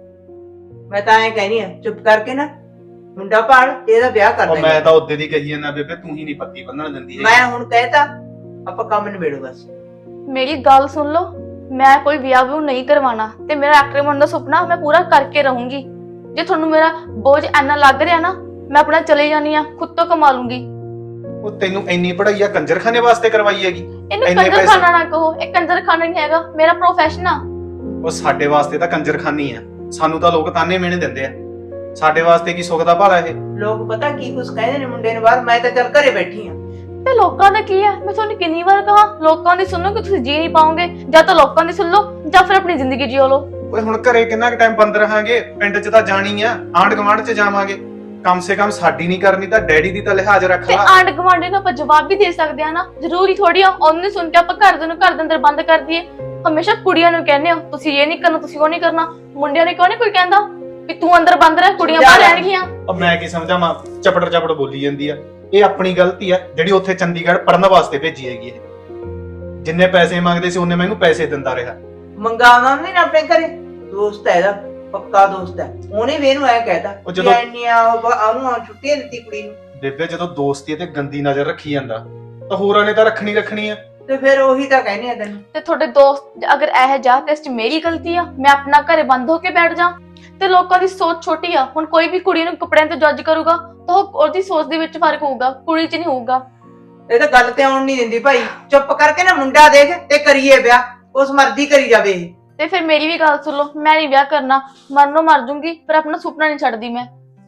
Speaker 1: ਮੈਂ ਤਾਂ ਐਂ ਕਹਿਨੀ ਆ, ਚੁੱਪ ਕਰਕੇ ਨਾ ਮੁੰਡਾ ਭਾਲ ਤੇ ਇਹਦਾ ਵਿਆਹ ਕਰ
Speaker 5: ਉਹ
Speaker 1: ਦੇ।
Speaker 5: ਮੈਂ ਤਾਂ ਉਹਦੇ ਦੀ ਕਹੀ ਜਾਂਦਾ ਬੇਬੇ, ਤੂੰ ਹੀ ਨਹੀਂ ਪੱਤੀ ਬੰਨਣ ਦਿੰਦੀ ਹੈਗੀ।
Speaker 1: ਮੈਂ ਹੁਣ ਕਹਿਤਾ ਆਪਾਂ ਕੰਮ ਨਿਬੇੜੋ ਬਸ।
Speaker 2: ਮੇਰੀ ਗੱਲ ਸੁਣ ਲਓ, ਮੈਂ ਕੋਈ ਵਿਆਹ ਵਿਊ ਨਹੀਂ ਕਰਵਾਉਣਾ ਤੇ ਮੇਰਾ ਐਕਟਰ ਬਣਨ ਦਾ ਸੁਪਨਾ ਮੈਂ ਪੂਰਾ ਕਰਕੇ ਰਹੂੰਗੀ। ਜੇ ਤੁਹਾਨੂੰ ਮੇਰਾ ਬੋਝ ਇੰਨਾ ਲੱਗ ਰਿਹਾ ਨਾ, ਮੈਂ ਆਪਣਾ ਚਲੇ ਜਾਨੀ ਆ, ਖੁਦ ਤੋਂ ਕਮਾ ਲੂੰਗੀ।
Speaker 5: ਉਹ ਤੈਨੂੰ ਇੰਨੀ ਪੜ੍ਹਾਈ ਆ ਕੰਜਰਖਾਨੇ ਵਾਸਤੇ ਕਰਵਾਈ ਹੈਗੀ?
Speaker 2: ਇਹਨੂੰ
Speaker 5: ਇੰਨੇ
Speaker 2: ਕੰਜਰ
Speaker 5: ਪੈਸੇ-
Speaker 2: ਖਾਨਾ ਨਾ ਕਹੋ, ਇਹ ਕੰਜਰ ਖਾਨਾ ਨਹੀਂ ਹੈਗਾ, ਮੇਰਾ ਪ੍ਰੋਫੈਸ਼ਨ ਆ।
Speaker 5: ਉਹ ਸਾਡੇ ਵਾਸਤੇ ਤਾਂ ਕੰਜਰਖਾਨੀ ਆ, ਸਾਨੂੰ ਤਾਂ ਲੋਕ ਤਾਨੇ ਮਿਹਣੇ ਦਿੰਦੇ ਆ। ਸਾਡੇ ਵਾਸਤੇ ਕੀ ਸੁੱਖ ਦਾ ਭਾਲਾ ਇਹ?
Speaker 1: ਲੋਕ ਪਤਾ ਕੀ ਕੁਛ ਕਹਿੰਦੇ ਨੇ ਮੁੰਡੇ ਨੂੰ ਬਾਹਰ, ਮੈਂ ਤਾਂ ਚੱਲ ਘਰੇ ਬੈਠੀ ਆ।
Speaker 2: ਤੇ ਲੋਕਾਂ ਦਾ ਕੀ ਆ? ਮੈਂ ਤੁਹਾਨੂੰ ਕਿੰਨੀ ਵਾਰ ਕਹਾ, ਲੋਕਾਂ ਦੀ ਸੁਣੋ ਕਿ ਤੁਸੀਂ ਜੀ ਨਹੀਂ ਪਾਓਗੇ। ਜਾਂ ਤਾਂ ਲੋਕਾਂ ਦੀ ਸੁਣ ਲਓ ਜਾਂ ਫਿਰ ਆਪਣੀ ਜ਼ਿੰਦਗੀ ਜੀਓ ਲਓ।
Speaker 5: ਓਏ ਹੁਣ ਘਰੇ ਕਿੰਨਾ ਕੁ ਟਾਈਮ ਬੰਦ ਰਹਾਂਗੇ? ਪਿੰਡ 'ਚ ਤਾਂ ਜਾਣੀ ਆ, ਆਂਢ ਗੁਆਂਢ 'ਚ ਜਾਵਾਂਗੇ। ਕਮ ਸੇ ਕਮ ਸਾਡੀ ਨਹੀਂ ਕਰਨੀ ਤਾਂ ਡੈਡੀ ਦੀ ਤਾਂ ਲਿਹਾਜ਼ ਰੱਖ
Speaker 2: ਤੇ
Speaker 5: ਲਾ।
Speaker 2: ਆਂਢ ਗੁਆਂਢੀ ਨੂੰ ਆਪਾਂ ਜਵਾਬ ਵੀ ਦੇ ਸਕਦੇ ਆ ਨਾ, ਜ਼ਰੂਰੀ ਥੋੜੀ ਆ ਉਹਨੂੰ ਸੁਣ ਕੇ ਆਪਾਂ ਘਰ ਦੇ ਨੂੰ ਘਰ ਦੇ ਅੰਦਰ ਬੰਦ ਕਰ ਦਈਏ। ਹਮੇਸ਼ਾ ਕੁੜੀਆਂ ਨੂੰ ਕਹਿੰਦੇ ਹੋ ਤੁਸੀਂ ਇਹ ਨਹੀਂ ਕਰਨਾ, ਤੁਸੀਂ ਉਹ ਨਹੀਂ ਕਰਨਾ। ਮੁੰਡਿਆਂ ਨੇ ਕਿਉਂ ਨਹੀਂ ਕੋਈ ਕਹਿੰਦਾ ਵੀ ਤੂੰ ਅੰਦਰ ਬੰਦ ਰਹਿ, ਕੁੜੀਆਂ ਬਾਹਰ ਰਹਿਣਗੀਆਂ?
Speaker 5: ਉਹ ਮੈਂ ਕੀ ਸਮਝਾਵਾਂ, ਚਪੜ ਚਪੜ ਬੋਲੀ ਜਾਂਦੀ ਆ। ਇਹ ਆਪਣੀ ਗਲਤੀ ਆ ਜਿਹੜੀ ਉੱਥੇ ਚੰਡੀਗੜ੍ਹ ਪੜਨ ਵਾਸਤੇ ਭੇਜੀ ਹੈਗੀ ਇਹ। ਜਿੰਨੇ ਪੈਸੇ ਮੰਗਦੇ ਸੀ ਉਹਨੇ ਮੈਨੂੰ ਪੈਸੇ ਦਿੰਦਾ ਰਿਹਾ।
Speaker 1: ਮੰਗਾਉਣਾ ਨਹੀਂ ਨਾ ਆਪਣੇ ਘਰੇ, ਦੋਸਤ ਹੈ ਇਹਦਾ, ਪੱਕਾ ਦੋਸਤ ਹੈ। ਉਹਨੇ ਵੀ ਇਹਨੂੰ ਐ ਕਹਿਤਾ
Speaker 5: ਉਹ ਜਦੋਂ-
Speaker 1: ਇੰਨੀਆਂ ਉਹਨੂੰ ਛੁੱਟੀਆਂ ਦਿੱਤੀ ਕੁੜੀ ਨੂੰ।
Speaker 5: ਬੇਬੇ ਜਦੋਂ ਦੋਸਤੀ ਤੇ ਗੰਦੀ ਨਜ਼ਰ ਰੱਖੀ ਜਾਂਦਾ ਤਾਂ ਹੋਰਾਂ ਨੇ ਤਾਂ ਰੱਖਣੀ ਰੱਖਣੀ ਆ।
Speaker 1: ਤੇ ਫਿਰ ਉਹੀ ਤਾਂ ਕਹਿੰਦੇ ਆ ਤੈਨੂੰ।
Speaker 2: ਤੇ ਤੁਹਾਡੇ ਦੋਸਤ ਅਗਰ ਇਹ ਜਾ ਤੇ ਇਸ ਚ ਮੇਰੀ ਗਲਤੀ ਆ, ਮੈਂ ਆਪਣਾ ਘਰੇ ਬੰਦ ਹੋ ਕੇ ਬੈਠ ਜਾ? ਤੇ ਲੋਕਾਂ ਦੀ ਸੋਚ ਛੋਟੀ ਆ। ਹੁਣ ਕੋਈ ਵੀ ਕੁੜੀ ਨੂੰ ਕੱਪੜਿਆਂ ਤੇ ਜੱਜ ਕਰੂਗਾ ਤਾਂ ਉਹ ਉਹਦੀ ਸੋਚ ਦੇ ਵਿੱਚ ਫਰਕ ਹੋਊਗਾ, ਕੁੜੀ 'ਚ ਨਹੀਂ ਹੋਊਗਾ।
Speaker 1: ਇਹ ਤਾਂ ਗੱਲ ਤੇ ਆਉਣ ਨਹੀਂ ਦਿੰਦੀ ਭਾਈ। ਚੁੱਪ ਕਰਕੇ ਨਾ ਮੁੰਡਾ ਦੇਖ ਤੇ ਕਰੀਏ ਵਿਆਹ, ਉਸ ਮਰਜ਼ੀ ਕਰੀ ਜਾਵੇ ਇਹ।
Speaker 2: ਤੇ ਫਿਰ ਮੇਰੀ ਵੀ ਗੱਲ ਸੁਣ ਲਓ, ਮੈਂ ਨਹੀਂ ਵਿਆਹ ਕਰਨਾ, ਮਰਨੋਂ ਮਰ ਜੂੰਗੀ ਪਰ ਆਪਣਾ ਸੁਪਨਾ ਨਹੀਂ ਛੱਡਦੀ ਮੈਂ।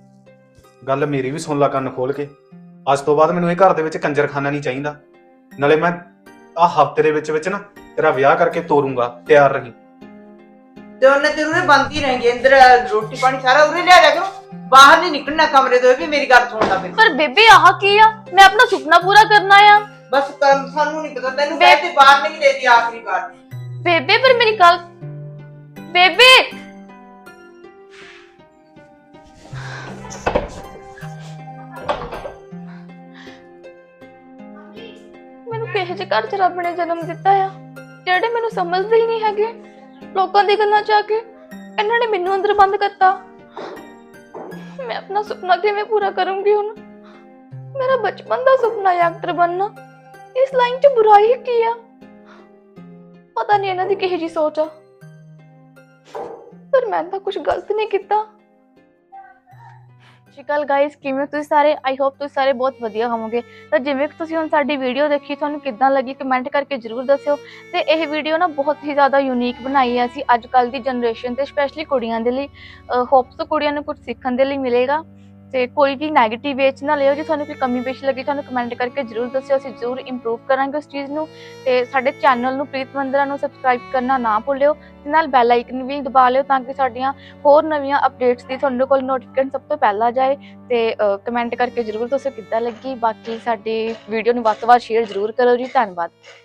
Speaker 5: ਗੱਲ ਮੇਰੀ ਵੀ ਸੁਣ ਲੈ ਕੰਨ ਖੋਲ ਕੇ। ਅੱਜ ਤੋਂ ਬਾਅਦ ਮੈਨੂੰ ਇਹ ਘਰ ਦੇ ਵਿੱਚ ਕੰਜਰਖਾਨਾ ਨਹੀਂ ਚਾਹੀਦਾ। ਨਾਲੇ ਮੈਂ ਆਹ ਹਫ਼ਤੇ ਦੇ ਵਿੱਚ ਵਿੱਚ ਨਾ ਤੇਰਾ ਵਿਆਹ ਕਰਕੇ ਤੋਰੂੰਗਾ, ਤਿਆਰ ਰਹੀ।
Speaker 1: ਤੇ ਉਹਨੇ ਜ਼ਰੂਰ ਬੰਦ ਹੀ ਰਹਿਣਗੇ ਅੰਦਰ, ਰੋਟੀ ਪਾਣੀ ਸਾਰਾ ਉਰੇ ਲਿਆ ਜਾ ਕਰੋ, ਬਾਹਰ ਨਹੀਂ ਨਿਕਲਣਾ ਕਮਰੇ ਤੋਂ। ਇਹ ਵੀ ਮੇਰੀ ਗੱਲ ਸੁਣਦਾ ਫਿਰ।
Speaker 2: ਪਰ ਬੇਬੇ ਆਹ ਕੀ ਆ? ਮੈਂ ਆਪਣਾ ਸੁਪਨਾ ਪੂਰਾ ਕਰਨਾ ਆ।
Speaker 1: ਬਸ ਕਰ, ਸਾਨੂੰ ਨਹੀਂ ਪਤਾ। ਤੈਨੂੰ ਕਹਿ ਤੇ ਬਾਹਰ ਨਹੀਂ ਦੇਦੀ ਆਖਰੀ ਵਾਰ।
Speaker 2: ਬੇਬੇ ਪਰ ਮੇਰੀ ਗੱਲ, ਬੇਬੇ ਮੈਨੂੰ ਕਿਹੋ ਜਿਹੇ ਘਰ ਚ ਰੱਬ ਨੇ ਜਨਮ ਦਿੱਤਾ ਆ ਜਿਹੜੇ ਮੈਨੂੰ ਸਮਝਦੇ ਹੀ ਨਹੀਂ ਹੈਗੇ। ਲੋਕਾਂ ਦੀ ਗੱਲਾਂ ਚ ਆ ਕੇ ਇਹਨਾਂ ਨੇ ਮੈਨੂੰ ਅੰਦਰ ਬੰਦ ਕਰਤਾ। ਮੈਂ ਆਪਣਾ ਸੁਪਨਾ ਕਿਵੇਂ ਪੂਰਾ ਕਰੂੰਗੀ ਹੁਣ? ਮੇਰਾ ਬਚਪਨ ਦਾ ਸੁਪਨਾ ਹੈ ਐਕਟਰ ਬਣਨਾ। ਇਸ ਲਾਈਨ ਚ ਬੁਰਾਈ ਕੀ ਆ? ਪਤਾ ਨਹੀਂ ਇਹਨਾਂ ਦੀ ਕਿਹੋ ਜਿਹੀ ਸੋਚ ਆ, ਪਰ ਮੈਂ ਤਾਂ ਕੁਝ ਗਲਤ ਨਹੀਂ ਕੀਤਾ। ਸਤਿ ਸ਼੍ਰੀ ਅਕਾਲ ਗਾਇਸ, ਕਿਵੇਂ ਹੋ ਤੁਸੀਂ ਸਾਰੇ? ਆਈ ਹੋਪ ਤੁਸੀਂ ਸਾਰੇ ਬਹੁਤ ਵਧੀਆ ਹੋਵੋਗੇ। ਤਾਂ ਜਿਵੇਂ ਕਿ ਤੁਸੀਂ ਹੁਣ ਸਾਡੀ ਵੀਡੀਓ ਦੇਖੀ, ਤੁਹਾਨੂੰ ਕਿੱਦਾਂ ਲੱਗੀ ਕਮੈਂਟ ਕਰਕੇ ਜ਼ਰੂਰ ਦੱਸਿਓ। ਤੇ ਇਹ ਵੀਡੀਓ ਨਾ ਬਹੁਤ ਹੀ ਜ਼ਿਆਦਾ ਯੂਨੀਕ ਬਣਾਈ ਹੈ ਅਸੀਂ ਅੱਜ ਕੱਲ੍ਹ ਦੀ ਜਨਰੇਸ਼ਨ ਤੇ ਸਪੈਸ਼ਲੀ ਕੁੜੀਆਂ ਦੇ ਲਈ। ਹੋਪਸ ਕੁੜੀਆਂ ਨੂੰ ਕੁਝ ਸਿੱਖਣ ਦੇ ਲਈ ਮਿਲੇਗਾ। ਤੇ ਕੋਈ ਵੀ ਨੈਗੇਟਿਵ ਵੇਚ ਨਾ ਲਿਓ। ਜੇ ਤੁਹਾਨੂੰ ਕੋਈ ਕਮੀ ਪੇਸ਼ ਲੱਗੀ ਤੁਹਾਨੂੰ ਕਮੈਂਟ ਕਰਕੇ ਜ਼ਰੂਰ ਦੱਸਿਓ, ਅਸੀਂ ਜ਼ਰੂਰ ਇੰਪਰੂਵ ਕਰਾਂਗੇ ਉਸ ਚੀਜ਼ ਨੂੰ। ਤੇ ਸਾਡੇ ਚੈਨਲ ਨੂੰ ਪ੍ਰੀਤ ਮੰਦਰਾ ਨੂੰ ਸਬਸਕ੍ਰਾਈਬ ਕਰਨਾ ਨਾ ਭੁੱਲਿਓ ਤੇ ਨਾਲ ਬੈਲ ਆਈਕਨ ਵੀ ਦਬਾ ਲਿਓ ਤਾਂ ਕਿ ਸਾਡੀਆਂ ਹੋਰ ਨਵੀਆਂ ਅਪਡੇਟਸ ਦੀ ਤੁਹਾਡੇ ਕੋਲ ਨੋਟੀਫਿਕੇਸ਼ਨ ਸਭ ਤੋਂ ਪਹਿਲਾਂ ਜਾਏ। ਤੇ ਕਮੈਂਟ ਕਰਕੇ ਜ਼ਰੂਰ ਦੱਸੋ ਕਿੱਦਾਂ ਲੱਗੀ। ਬਾਕੀ ਸਾਡੀ ਵੀਡੀਓ ਨੂੰ ਵੱਧ ਤੋਂ ਵੱਧ ਸ਼ੇਅਰ ਜ਼ਰੂਰ ਕਰੋ ਜੀ। ਧੰਨਵਾਦ।